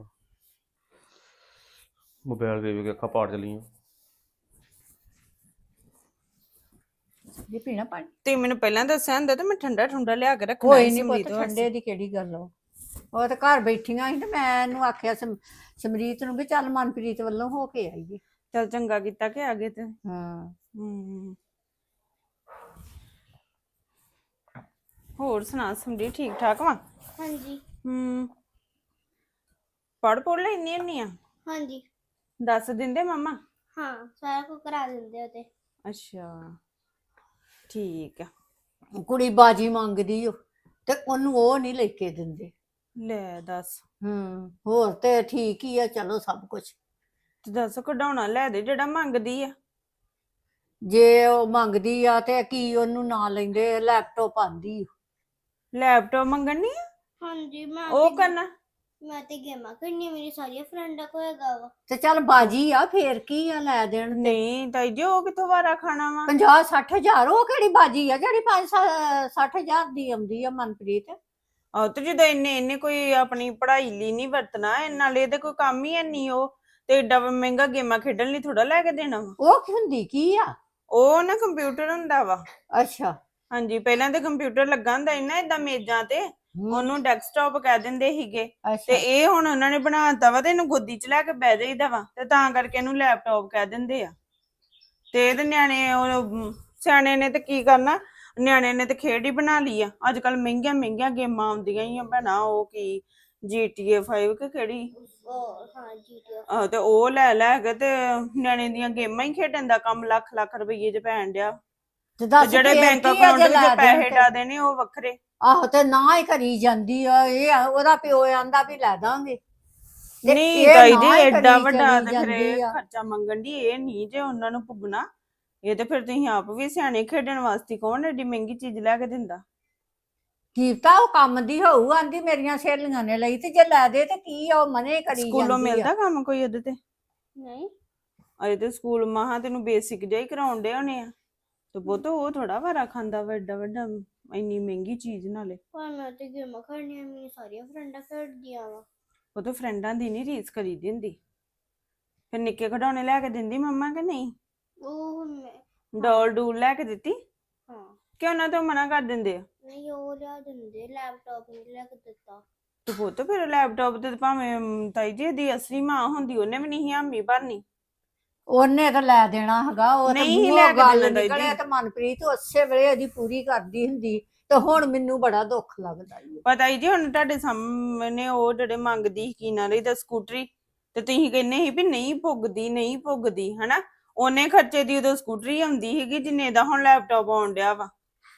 [SPEAKER 4] ਮੋਬਾਈਲ ਦੇ ਵੀ ਅੱਖਾਂ ਪਾੜ ਚਲੀਆਂ।
[SPEAKER 2] ਜੇ ਪੀਣਾ ਪਾਣੀ
[SPEAKER 5] ਤੇ ਮੈਨੂੰ ਪਹਿਲਾਂ ਦੱਸਿਆ ਹੁੰਦਾ ਤੇ ਮੈਂ ਠੰਡਾ ਠੰਡਾ ਲਿਆ ਕੇ ਰੱਖਣਾ
[SPEAKER 2] ਕੋਈ
[SPEAKER 5] ਸੀ
[SPEAKER 2] ਨਹੀਂ ਪੁੱਤ,
[SPEAKER 5] ਸਮਰੀਤ ਵਾਸਤੇ।
[SPEAKER 2] ਠੰਡੇ ਦੀ ਕਿਹੜੀ ਗੱਲ ਆ। ਉਹ ਤਾਂ ਘਰ ਬੈਠੀਆਂ ਸੀ ਤੇ ਮੈਂ ਇਹਨੂੰ ਆਖਿਆ ਸਮ- ਸਮਰੀਤ ਨੂੰ ਵੀ ਚੱਲ ਮਨਪ੍ਰੀਤ ਵੱਲੋਂ ਹੋ ਕੇ ਆਈਏ।
[SPEAKER 5] ਚੱਲ ਚੰਗਾ ਕੀਤਾ ਕਿ ਆ ਗਏ ਤੇ।
[SPEAKER 2] ਹਾਂ
[SPEAKER 5] ਹੂੰ ਹੋਰ ਸੁਣਾ ਸਮਰੀਤ, ਠੀਕ ਠਾਕ ਵਾ?
[SPEAKER 1] ਹਾਂਜੀ
[SPEAKER 5] ਹੂੰ ਪੜ ਪੜ ਲੈਣੀ ਹੁੰਨੀ ਆ?
[SPEAKER 1] ਹਾਂਜੀ
[SPEAKER 5] ਦੱਸ ਦਿੰਦੇ ਮੰਮਾ?
[SPEAKER 1] ਹਾਂ ਸਾਰਾ ਕੁਝ ਕਰਾ ਦਿੰਦੇ ਉਹ ਤੇ।
[SPEAKER 5] ਅੱਛਾ ਠੀਕ ਆ।
[SPEAKER 2] ਕੁੜੀ ਬਾਜੀ ਮੰਗਦੀ ਓ ਤੇ ਉਹਨੂੰ ਉਹ ਨਹੀਂ ਲੈ ਕੇ ਦਿੰਦੇ।
[SPEAKER 5] ਲੈ ਦੱਸ,
[SPEAKER 2] ਹੂੰ ਹੋਰ ਤੇ ਠੀਕ ਹੀ ਆ, ਚਲੋ ਸਭ ਕੁਝ।
[SPEAKER 5] ਤੇ ਦੱਸ ਕਢਾਉਣਾ ਲੈ ਦੇ ਜਿਹੜਾ ਮੰਗਦੀ ਆ।
[SPEAKER 2] ਜੇ ਉਹ ਮੰਗਦੀ ਆ ਤੇ ਕੀ ਉਹਨੂੰ ਨਾ ਲੈਂਦੇ, ਲੈਪਟਾਪ ਆਂਦੀ ਓ।
[SPEAKER 5] ਲੈਪਟਾਪ ਮੰਗਣੀ ਆ?
[SPEAKER 1] ਹਾਂਜੀ ਮੈਂ
[SPEAKER 5] ਉਹ
[SPEAKER 1] ਤੇ-
[SPEAKER 5] ਕਰਨਾ?
[SPEAKER 1] ਮੈਂ ਤੇ ਗੇਮਾਂ ਖੇਡਣੀਆਂ, ਮੇਰੀ ਸਾਰੀਆਂ ਫਰੈਂਡਾਂ ਕੋਲ ਹੈਗਾ ਵਾ।
[SPEAKER 2] ਤੇ ਚੱਲ ਬਾਜੀ ਆ, ਫੇਰ ਕੀ ਆ, ਲੈ ਦੇਣ।
[SPEAKER 5] ਨਹੀਂ ਤਾਈ ਜੀ, ਉਹ ਕਿੱਥੋਂ ਵਾਰਾ ਖਾਣਾ ਵਾ?
[SPEAKER 2] ਪੰਜਾਹ ਸੱਠ ਹਜ਼ਾਰ ਉਹ ਕਿਹੜੀ ਬਾਜੀ ਆ ਜਿਹੜੀ ਪੰਜ ਸੱਠ ਹਜ਼ਾਰ ਦੀ ਆਉਂਦੀ ਆ ਮਨਪ੍ਰੀਤ?
[SPEAKER 5] ਆਹ ਤੇ ਜਦੋਂ ਇੰਨੇ ਇਹਨੇ ਕੋਈ ਆਪਣੀ ਪੜ੍ਹਾਈ ਲਈ ਨਹੀਂ ਵਰਤਣਾ, ਇਹ ਨਾਲੇ ਇਹਦੇ ਕੋਈ ਕੰਮ ਹੀ ਨਹੀਂ, ਉਹ ਤੇ ਏਡਾ ਮਹਿੰਗਾ ਗੇਮਾਂ ਖੇਡਣ ਲਈ ਥੋੜਾ ਲੈ ਕੇ ਦੇਣਾ ਵਾ।
[SPEAKER 2] ਉਹ ਕੀ ਹੁੰਦੀ ਕੀ ਆ?
[SPEAKER 5] ਉਹ ਨਾ ਕੰਪਿਊਟਰ ਹੁੰਦਾ ਵਾ।
[SPEAKER 2] ਅੱਛਾ
[SPEAKER 5] ਹਾਂਜੀ ਪਹਿਲਾਂ ਤੇ ਕੰਪਿਊਟਰ ਲੱਗਾ ਹੁੰਦਾ ਸੀ ਨਾ ਏਦਾਂ ਮੇਜ਼ਾਂ ਤੇ,
[SPEAKER 2] ਹਮ,
[SPEAKER 5] ਉਹਨੂੰ ਡੈਸਕਟਾਪ ਕਹਿ ਦਿੰਦੇ ਸੀਗੇ। ਤੇ
[SPEAKER 2] ਅੱਛਾ
[SPEAKER 5] ਇਹ ਹੁਣ ਉਹਨਾਂ ਨੇ ਬਣਾਤਾ ਵਾ ਤੇ ਇਹਨੂੰ ਗੋਦੀ 'ਚ ਲੈ ਕੇ ਬਹਿ ਜਾਈਦਾ ਵਾ, ਤੇ ਤਾਂ ਕਰਕੇ ਇਹਨੂੰ ਲੈਪਟਾਪ ਕਹਿ ਦਿੰਦੇ ਆ। ਤੇ ਇਹਦੇ ਨਿਆਣੇ ਉਹ ਸਿਆਣੇ ਨੇ ਤੇ ਕੀ ਕਰਨਾ, ਨਿਆਣਿਆਂ ਨੇ ਤੇ ਖੇਡ ਹੀ ਬਣਾ ਲਈ ਆ। ਅੱਜ ਕੱਲ ਮਹਿੰਗੀਆਂ ਮਹਿੰਗੀਆਂ ਗੇਮਾਂ ਆਉਂਦੀਆਂ ਹੀ ਆ ਭੈਣਾ, ਉਹ ਕੀ ਜੀ ਟੀ ਏ ਫਾਈਵ ਕਿ ਕਿਹੜੀ,
[SPEAKER 1] ਉਹ ਹਾਂ ਜੀ ਟੀ
[SPEAKER 5] ਆਹ ਤੇ ਉਹ ਲੈ ਲੈ ਕੇ ਤੇ ਨਿਆਣੇ ਦੀਆਂ ਗੇਮਾਂ ਹੀ ਖੇਡਣ ਦਾ ਕੰਮ ਲੱਖ ਲੱਖ ਰੁਪਈਏ ਚ ਪੈਣ ਡਿਆ।
[SPEAKER 2] ਤੇ
[SPEAKER 5] ਤੇ
[SPEAKER 2] ਦੱਸ
[SPEAKER 5] ਜਿਹੜੇ
[SPEAKER 2] ਫੇਰ
[SPEAKER 5] ਬੈਂਕ
[SPEAKER 2] ਕੀ ਆ
[SPEAKER 5] ਅਕਾਊਂਟ
[SPEAKER 2] ਜੇ
[SPEAKER 5] ਵਿੱਚ
[SPEAKER 2] ਲੈ
[SPEAKER 5] ਪੈਸੇ
[SPEAKER 2] ਦੇਣ ਤੇ?
[SPEAKER 5] ਡਾ ਦੇਣੇ ਉਹ ਵੱਖਰੇ।
[SPEAKER 2] ਆਹੋ ਤੇ ਨਾ ਹੀ ਕਰੀ ਜਾਂਦੀ ਆ ਇਹ ਆ, ਉਹਦਾ ਪਿਓ ਆਂਦਾ ਵੀ ਲੈ ਦਾਂਗੇ ਤੇ
[SPEAKER 5] ਨਹੀਂ
[SPEAKER 2] ਇਹ
[SPEAKER 5] ਤਾਈ
[SPEAKER 2] ਨਾ
[SPEAKER 5] ਜੀ
[SPEAKER 2] ਹੀ
[SPEAKER 5] ਐਡਾ
[SPEAKER 2] ਕਰੀ
[SPEAKER 5] ਵੱਡਾ
[SPEAKER 2] ਚਲੀ
[SPEAKER 5] ਤੇ ਫਿਰ
[SPEAKER 2] ਜਾਂਦੀ
[SPEAKER 5] ਇਹ
[SPEAKER 2] ਆ।
[SPEAKER 5] ਖਰਚਾ ਮੰਗਣ ਦੀ ਇਹ ਨਹੀਂ ਜੇ ਉਹਨਾਂ ਨੂੰ ਪੁੱਗਣਾ। ਇਹ ਤੇ ਫਿਰ ਤੁਸੀਂ ਆਪ ਵੀ ਸਿਆਣੇ, ਖੇਡਣ ਵਾਸਤੇ ਕੌਣ ਐਡੀ ਮਹਿੰਗੀ ਚੀਜ਼ ਲੈ ਕੇ ਦਿੰਦਾ।
[SPEAKER 2] ਕੀਤਾ ਉਹ ਕੰਮ ਦੀ ਹੋਊ, ਆਂਦੀ ਮੇਰੀਆਂ ਸਹੇਲੀਆਂ ਨੇ ਲਈ ਤੇ ਜੇ ਲੈ ਦੇ ਤੇ ਕੀ ਆ, ਉਹ ਮਨੇ ਕਰੀ
[SPEAKER 5] ਸਕੂਲੋਂ
[SPEAKER 2] ਜਾਂਦੀ ਆ।
[SPEAKER 5] ਮਿਲਦਾ ਕੰਮ ਕੋਈ ਉਹਦੇ ਤੇ?
[SPEAKER 1] ਨਹੀਂ
[SPEAKER 5] ਅਜੇ ਤੇ ਸਕੂਲ ਮਹਾ ਤੈਨੂੰ ਬੇਸਿਕ ਜਿਹਾ ਹੀ ਕਰਾਉਣ ਡੇ ਹੋਣੇ ਆ ਤੇ ਪੁੱਤ ਉਹ ਥੋੜਾ ਵਾਰਾ ਖਾਂਦਾ ਵੱਡਾ ਵੱਡਾ ਇੰਨੀ ਮਹਿੰਗੀ ਚੀਜ਼ ਨਾਲੇ।
[SPEAKER 1] ਪਰ ਮੈਂ ਤੇ ਗੇਮਾਂ ਖੇਡਣੀਆਂ, ਮੇਰੀ ਸਾਰੀਆਂ ਫਰੈਂਡਾਂ ਖੇਡਦੀਆਂ ਵਾ।
[SPEAKER 5] ਉਹ ਤਾਂ ਫਰੈਂਡਾਂ ਦੀ ਨਹੀਂ ਰੀਸ ਕਰੀ ਦਿੰਦੀ। ਫਿਰ ਨਿੱਕੇ ਖਿਡੌਣੇ ਲੈ ਕੇ ਦਿੰਦੀ ਮੰਮਾ ਕਿ ਨਹੀਂ?
[SPEAKER 1] ਉਹ ਮੈਂ
[SPEAKER 5] ਡੋਲ ਡੂਲ ਲੈ ਕੇ ਦਿੱਤੀ
[SPEAKER 1] ਹਾਂ
[SPEAKER 5] ਕਿ ਉਹਨਾਂ ਤੋਂ ਮਨਾ ਕਰ ਦਿੰਦੇ ਆ?
[SPEAKER 1] ਨਹੀਂ ਉਹ ਲਿਆ ਦਿੰਦੇ, ਲੈਪਟਾਪ ਨਹੀਂ ਲਿਆ ਕੇ ਦਿੱਤਾ।
[SPEAKER 5] ਤੇ ਪੁੱਤ ਫਿਰ ਲੈਪਟਾਪ ਤੇ ਭਾਵੇਂ ਅਮ, ਤਾਈ ਜੀ ਦੀ ਅਸਲੀ ਮਾਂ ਹੁੰਦੀ ਉਹਨੇ ਵੀ ਨਹੀਂ ਹਾਮੀ ਭਰਨੀ।
[SPEAKER 2] ਉਹਨੇ ਤਾਂ ਲੈ ਦੇਣਾ ਹੈਗਾ, ਉਹ ਤਾਂ
[SPEAKER 5] ਨਹੀਂ
[SPEAKER 2] ਮੂੰਹੋਂ
[SPEAKER 5] ਲੈ ਕੇ
[SPEAKER 2] ਗੱਲ
[SPEAKER 5] ਦੇਣਾ ਤਾਈ
[SPEAKER 2] ਨਿਕਲੇ
[SPEAKER 5] ਜੀ।
[SPEAKER 2] ਤੇ ਮਨਪ੍ਰੀਤ ਉਸੇ ਵੇਲੇ ਉਹਦੀ ਪੂਰੀ ਕਰਦੀ ਹੁੰਦੀ ਤੇ ਹੁਣ ਮੈਨੂੰ ਬੜਾ ਦੁੱਖ ਲੱਗਦਾ ਈ ਓ।
[SPEAKER 5] ਪਤਾ ਹੀ ਜੀ ਹੁਣ ਤੁਹਾਡੇ ਸਾਹਮਣੇ ਉਹ ਜਿਹੜੇ ਮੰਗਦੀ ਕੀ ਨਾ ਰਹੀ ਤਾਂ ਸਕੂਟਰੀ, ਤੇ ਤੁਸੀਂ ਕਹਿੰਦੇ ਸੀ ਵੀ ਨਹੀਂ ਪੁੱਗਦੀ ਨਹੀਂ ਪੁੱਗਦੀ ਹਨਾ। ਉਹਨੇ ਖਰਚੇ ਦੀ ਉਦੋਂ ਸਕੂਟਰੀ ਆਉਂਦੀ ਸੀਗੀ ਜਿੰਨੇ ਦਾ ਹੁਣ ਲੈਪਟਾਪ ਆਉਣ ਡਿਆ ਵਾ।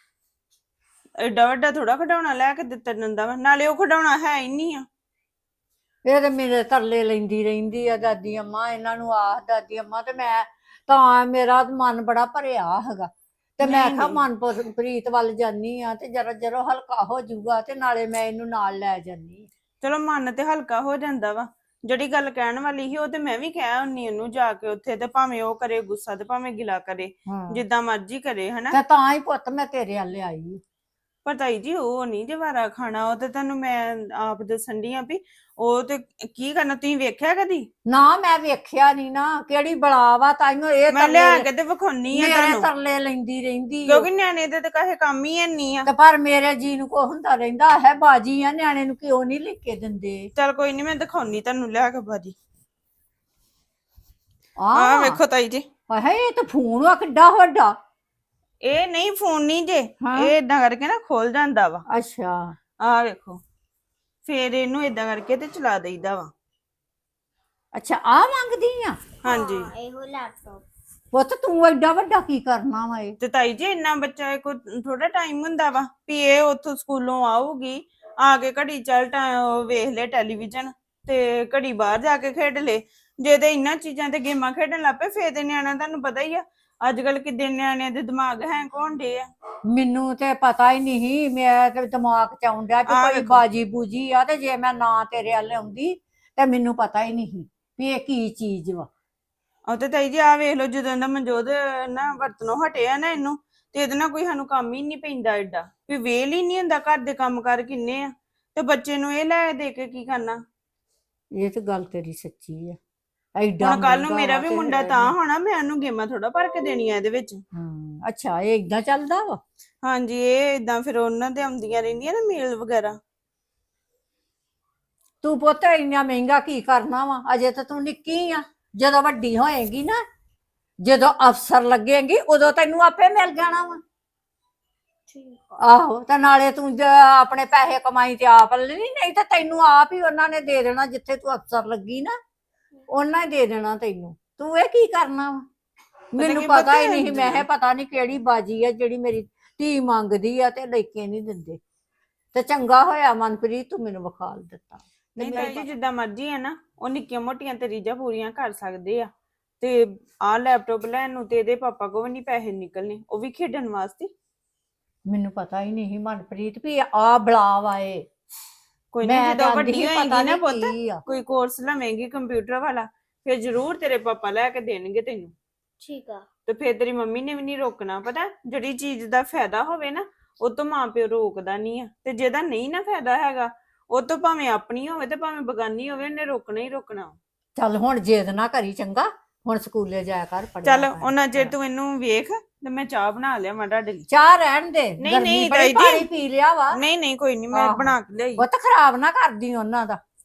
[SPEAKER 5] ਐਡਾ ਵੱਡਾ ਥੋੜਾ ਖਿਡੌਣਾ ਲੈ ਕੇ ਦਿੱਤਾ ਜਾਂਦਾ ਵਾ, ਨਾਲੇ ਉਹ ਖਿਡੌਣਾ ਹੈ ਹੀ ਨਹੀਂ ਆ।
[SPEAKER 2] ਇਹ ਤੇ ਮੇਰੇ ਤਰਲੇ ਲੈਂਦੀ ਰਹਿੰਦੀ ਆ ਦਾਦੀ ਅੰਮਾ, ਇਹਨਾਂ ਨੂੰ ਆਖ ਦਾਦੀ ਅੰਮਾ, ਤੇ ਮੈਂ ਤਾਂ ਮੇਰਾ ਮਨ ਬੜਾ ਭਰਿਆ ਹੈਗਾ ਤੇ ਮੈਂ
[SPEAKER 5] ਨਹੀਂ,
[SPEAKER 2] ਕਿਹਾ
[SPEAKER 5] ਨਹੀਂ।
[SPEAKER 2] ਮਨਪ੍ਰੀਤ ਵੱਲ ਜਾਨੀ ਆ ਤੇ ਜਰਾ ਜਰਾ ਹਲਕਾ ਹੋ ਜਾਊਗਾ ਤੇ ਨਾਲੇ ਮੈਂ ਇਹਨੂੰ ਨਾਲ ਲੈ ਜਾਨੀ।
[SPEAKER 5] ਚਲੋ ਮਨ ਤੇ ਹਲਕਾ ਹੋ ਜਾਂਦਾ ਵਾ। ਜਿਹੜੀ ਗੱਲ ਕਹਿਣ ਵਾਲੀ ਸੀ ਉਹ ਤੇ ਮੈਂ ਵੀ ਕਹਿ ਹੁੰਨੀ ਉਹਨੂੰ ਜਾ ਕੇ ਉੱਥੇ, ਤੇ ਭਾਵੇਂ ਉਹ ਕਰੇ ਗੁੱਸਾ ਤੇ ਭਾਵੇਂ ਗਿਲਾ ਕਰੇ,
[SPEAKER 2] ਹਾਂ
[SPEAKER 5] ਜਿੱਦਾਂ ਮਰਜ਼ੀ ਕਰੇ ਹਨਾ।
[SPEAKER 2] ਤੇ ਤਾਂ ਹੀ ਪੁੱਤ ਮੈਂ ਤੇਰੇ ਵੱਲ ਆਈ।
[SPEAKER 5] ਪਰ ਤਾਈ ਜੀ ਉਹ ਨਹੀਂ ਜਵਾਰਾ ਖਾਣਾ, ਉਹ ਤੇ ਤੁਹਾਨੂੰ ਮੈਂ ਆਪ ਦੱਸਣ ਡਈ ਆ ਵੀ ਉਹ ਤੇ ਕੀ ਕਰਨਾ। ਤੁਸੀਂ ਵੇਖਿਆ ਕਦੀ?
[SPEAKER 2] ਨਾ ਮੈਂ ਵੇਖਿਆ ਨਹੀਂ ਨਾ, ਕਿਹੜੀ ਬਲਾ ਵਾ, ਤਾਈਓ ਇਹ
[SPEAKER 5] ਮੈਂ ਲਿਆ
[SPEAKER 2] ਤਰਲੇ
[SPEAKER 5] ਕੇ ਤੇ ਵਿਖਾਉਣੀ ਆ
[SPEAKER 2] ਮੇਰੇ
[SPEAKER 5] ਤੁਹਾਨੂੰ,
[SPEAKER 2] ਤਰਲੇ ਲੈਂਦੀ ਰਹਿੰਦੀ ਓ।
[SPEAKER 5] ਕਿਉਂਕਿ ਨਿਆਣੇ ਦੇ ਤੇ ਕਹੇ ਕੰਮ ਹੀ ਨਹੀਂ ਆ।
[SPEAKER 2] ਤੇ ਪਰ ਮੇਰੇ ਜੀ ਨੂੰ ਕੋ ਹੁੰਦਾ ਰਹਿੰਦਾ ਹੈ, ਬਾਜੀ ਆ ਨਿਆਣੇ ਨੂੰ ਕਿਉਂ ਨਹੀਂ ਲੈ ਕੇ ਦਿੰਦੇ।
[SPEAKER 5] ਚਲ ਕੋਈ ਨਹੀਂ, ਮੈਂ ਦਿਖਾਉਣੀ ਤੁਹਾਨੂੰ ਲਿਆ ਕੇ ਬਾਜੀ।
[SPEAKER 2] ਆਹ
[SPEAKER 5] ਆਹ ਵੇਖੋ ਤਾਈ ਜੀ,
[SPEAKER 2] ਹਾਏ ਇਹ ਤਾਂ ਫੋਨ ਆ ਕਿੱਡਾ ਵੱਡਾ।
[SPEAKER 5] ਇਹ ਨਹੀਂ ਫੋਨ ਨਹੀਂ ਜੇ,
[SPEAKER 2] ਹਾਂ।
[SPEAKER 5] ਇਹ ਇਦਾਂ ਕਰਕੇ ਨਾ ਖੁੱਲ ਜਾਂਦਾ ਵਾ।
[SPEAKER 2] ਅੱਛਾ
[SPEAKER 5] ਆਹ ਵੇਖੋ, ਫੇਰ ਇਹਨੂੰ ਇਦਾਂ ਕਰਕੇ ਤੇ ਚਲਾ ਦੇਈਦਾ ਵਾ।
[SPEAKER 2] ਅੱਛਾ ਆ ਮੰਗਦੀ ਆ।
[SPEAKER 5] ਹਾਂਜੀ
[SPEAKER 1] ਹਾਂ, ਇਹੋ ਲੈਪਟਾਪ।
[SPEAKER 2] ਪੁੱਤ ਤੂੰ ਐਡਾ ਵੱਡਾ ਕੀ ਕਰਨਾ ਵਾ ਇਹ।
[SPEAKER 5] ਤੇ ਤਾਈ ਜੀ ਇੰਨਾ ਬੱਚਾ ਕੋ ਥੋੜਾ ਟਾਈਮ ਹੁੰਦਾ ਵਾ ਵੀ ਇਹ ਉੱਥੋਂ ਸਕੂਲੋਂ ਆਊਗੀ, ਆ ਕੇ ਘੜੀ ਚੱਲ ਟਾ- ਵੇਖ ਲੈ ਟੈਲੀਵਿਜ਼ਨ ਤੇ ਘੜੀ ਬਾਹਰ ਜਾ ਕੇ ਖੇਡ ਲੈ। ਜੇ ਤੇ ਇਹਨਾਂ ਚੀਜ਼ਾਂ ਤੇ ਗੇਮਾਂ ਖੇਡਣ ਲੱਗ ਪਏ ਫੇਰ ਤੇ ਨਿਆਣਾ, ਤੁਹਾਨੂੰ ਪਤਾ ਹੀ ਆ ਅੱਜ ਕੱਲ ਕਿੱਡੇ ਨਿਆਣਿਆਂ ਦੇ ਦਿਮਾਗ ਹੈਂਗ ਹੋਣ ਡੇ ਆ।
[SPEAKER 2] ਮੈਨੂੰ ਤੇ ਪਤਾ ਹੀ ਨਹੀਂ, ਮੈਂ ਤੇ ਦਿਮਾਗ ਚ ਆਉਂਦਾ ਕਿ
[SPEAKER 5] ਆਹ
[SPEAKER 2] ਕੋਈ
[SPEAKER 5] ਵੇਖੋ।
[SPEAKER 2] ਬਾਜੀ ਬੂਜੀ ਆ, ਤੇ ਜੇ ਮੈਂ ਨਾ ਤੇਰੇ ਵੱਲ ਆਉਂਦੀ ਤੇ ਮੈਨੂੰ ਪਤਾ ਹੀ ਨਹੀਂ ਵੀ ਇਹ ਕੀ ਚੀਜ਼ ਵਾ।
[SPEAKER 5] ਉਹ ਤੇ ਤਾਈ ਜੀ ਆ ਵੇਖ ਲਓ, ਜਦੋਂ ਦਾ ਮਨਜੋਤ ਨਾ ਵਰਤਨੋਂ ਹਟਿਆ ਨਾ ਇਹਨੂੰ, ਤੇ ਇਹਦੇ ਨਾਲ ਕੋਈ ਸਾਨੂੰ ਕੰਮ ਹੀ ਨਹੀਂ ਪੈਂਦਾ ਐਡਾ, ਵੀ ਵੇਲ ਹੀ ਨਹੀਂ ਹੁੰਦਾ। ਘਰ ਦੇ ਕੰਮ ਕਰ ਕਿੰਨੇ ਆ, ਤੇ ਬੱਚੇ ਨੂੰ ਇਹ ਲੈ ਦੇ ਕੇ ਕੀ ਕਰਨਾ।
[SPEAKER 2] ਇਹ ਤੇ ਗੱਲ ਤੇਰੀ ਸੱਚੀ ਆ। ਐਡਾ
[SPEAKER 5] ਹੁਣ ਕੱਲ ਨੂੰ
[SPEAKER 2] ਮਹਿੰਗਾ
[SPEAKER 5] ਮੇਰਾ
[SPEAKER 2] ਵਾ
[SPEAKER 5] ਵੀ
[SPEAKER 2] ਤੇ
[SPEAKER 5] ਮੁੰਡਾ ਤਾਂ ਹੋਣਾ, ਮੈਂ ਉਹਨੂੰ ਗੇਮਾਂ ਥੋੜਾ ਭਰ ਕੇ ਦੇਣੀਆਂ ਇਹਦੇ ਵਿੱਚ।
[SPEAKER 2] ਹਾਂ ਅੱਛਾ ਇਹ ਇਦਾਂ ਚੱਲਦਾ ਵਾ।
[SPEAKER 5] ਹਾਂਜੀ ਇਹ ਇਦਾਂ ਫਿਰ ਉਹਨਾਂ ਦੇ ਆਉਂਦੀਆਂ ਰਹਿੰਦੀਆਂ ਨਾ ਮੇਲ ਵਗੈਰਾ।
[SPEAKER 2] ਤੂੰ ਪੁੱਤ ਇੰਨਾ ਮਹਿੰਗਾ ਕੀ ਕਰਨਾ ਵਾ, ਅਜੇ ਤਾਂ ਤੂੰ ਨਿੱਕੀ ਆ। ਜਦੋਂ ਵੱਡੀ ਹੋਏਗੀ ਨਾ, ਜਦੋਂ ਅਫਸਰ ਲੱਗੇਗੀ ਉਦੋਂ ਤੈਨੂੰ ਆਪੇ ਮਿਲ ਜਾਣਾ ਵਾ।
[SPEAKER 1] ਠੀਕ ਆ।
[SPEAKER 2] ਆਹੋ ਤੇ ਨਾਲੇ ਤੂੰ ਜ- ਆਪਣੇ ਪੈਸੇ ਕਮਾਈ ਤੇ ਆਪ ਲੈਣੀ, ਨਹੀਂ ਤਾਂ ਤੈਨੂੰ ਆਪ ਹੀ ਉਹਨਾਂ ਨੇ ਦੇ ਦੇਣਾ। ਜਿੱਥੇ ਤੂੰ ਅਫਸਰ ਲੱਗੀ ਨਾ ਉਹਨਾਂ ਹੀ ਦੇ ਦੇਣਾ ਤੈਨੂੰ। ਤੂੰ ਇਹ ਕੀ ਕਰਨਾ ਵਾ। ਮੈਨੂੰ
[SPEAKER 5] ਕੀ
[SPEAKER 2] ਪਤਾ ਹੀ
[SPEAKER 5] ਪਤਾ
[SPEAKER 2] ਨਹੀਂ, ਮੈਂ ਕਿਹਾ ਪਤਾ ਨਹੀਂ ਕਿਹੜੀ ਬਾਜੀ ਆ ਜਿਹੜੀ ਮੇਰੀ ਧੀ ਮੰਗਦੀ ਆ ਤੇ ਲੈ ਕੇ ਨਹੀਂ ਦਿੰਦੇ। ਤੇ ਚੰਗਾ ਹੋਇਆ ਮਨਪ੍ਰੀਤ ਤੂੰ ਮੈਨੂੰ ਵਿਖਾਲ ਦਿੱਤਾ।
[SPEAKER 5] ਨਹੀਂ ਤਾਈ ਜੀ ਜਿੱਦਾਂ ਮਰਜ਼ੀ ਹੈ ਨਾ, ਉਹ ਨਿੱਕੀਆਂ ਮੋਟੀਆਂ ਤੇ ਰੀਝਾਂ ਪੂਰੀਆਂ ਕਰ ਸਕਦੇ ਆ। ਤੇ ਆਹ ਲੈਪਟਾਪ ਲੈਣ ਨੂੰ ਤੇ ਇਹਦੇ ਪਾਪਾ ਕੋਲ ਵੀ ਨਹੀਂ ਪੈਸੇ ਨਿਕਲਨੇ, ਉਹ ਵੀ ਖੇਡਣ ਵਾਸਤੇ।
[SPEAKER 2] ਮੈਨੂੰ ਪਤਾ ਹੀ ਨਹੀਂ ਮਨਪ੍ਰੀਤ ਵੀ ਆ ਬਲਾ ਵਾਏ।
[SPEAKER 5] ਕੋਈ ਨਹੀਂ, ਜਦੋਂ ਵੱਡੀ ਹੋਏਗੀ ਨਾ
[SPEAKER 2] ਨਹੀਂ
[SPEAKER 5] ਪੁੱਤ,
[SPEAKER 2] ਕੀ ਆ।
[SPEAKER 5] ਕੋਈ ਕੋਰਸ ਲਵੇਂਗੀ ਕੰਪਿਊਟਰ ਵਾਲਾ, ਫਿਰ ਜ਼ਰੂਰ ਤੇਰੇ ਪਾਪਾ ਲੈ ਕੇ ਦੇਣਗੇ ਤੈਨੂੰ।
[SPEAKER 1] ਠੀਕ ਆ।
[SPEAKER 5] ਤੇ ਫਿਰ ਤੇਰੀ ਮੰਮੀ ਨੇ ਵੀ ਨਹੀਂ ਰੋਕਣਾ। ਪਤਾ ਜਿਹੜੀ ਚੀਜ਼ ਦਾ ਫਾਇਦਾ ਹੋਵੇ ਨਾ, ਉਹ ਤੋਂ ਮਾਂ ਪਿਓ ਰੋਕਦਾ ਨਹੀਂ ਆ, ਤੇ ਜਿਹਦਾ ਨਹੀਂ ਨਾ ਫਾਇਦਾ ਹੈਗਾ, ਉਹ ਤੋਂ ਭਾਵੇਂ ਆਪਣੀ ਹੋਵੇ ਤੇ ਭਾਵੇਂ ਬਗਾਨੀ ਹੋਵੇ, ਉਹਨੇ ਰੋਕਣਾ ਹੀ ਰੋਕਣਾ।
[SPEAKER 2] ਚੱਲ ਹੁਣ ਜੇਦ ਨਾ ਕਰੀ ਚੰਗਾ, ਹੁਣ ਸਕੂਲੇ ਜਾਇਆ ਕਰ ਪੜ੍ਹਿਆ
[SPEAKER 5] ਚੱਲ
[SPEAKER 2] ਕਰ।
[SPEAKER 5] ਉਹਨਾਂ ਚਿਰ ਤੂੰ ਇਹਨੂੰ ਵੇਖ ਤੇ ਮੈਂ ਚਾਹ ਬਣਾ ਲਿਆ ਮੈਂ ਤੁਹਾਡੇ ਲਈ।
[SPEAKER 2] ਚਾਹ ਰਹਿਣ ਦੇ,
[SPEAKER 5] ਨਹੀਂ,
[SPEAKER 2] ਗਰਮੀ
[SPEAKER 5] ਨਹੀਂ
[SPEAKER 2] ਬੜੀ,
[SPEAKER 5] ਤਾਈ ਜੀ।
[SPEAKER 2] ਪਾਣੀ ਪੀ ਲਿਆ ਵਾ।
[SPEAKER 5] ਨਹੀਂ ਨਹੀਂ ਕੋਈ ਨਹੀਂ, ਮੈਂ
[SPEAKER 2] ਆਹੋ।
[SPEAKER 5] ਬਣਾ ਕੇ ਲਿਆਈ।
[SPEAKER 2] ਉਹ ਤਾਂ ਖਰਾਬ ਨਾ ਕਰਦੀ ਉਹਨਾਂ ਦਾ।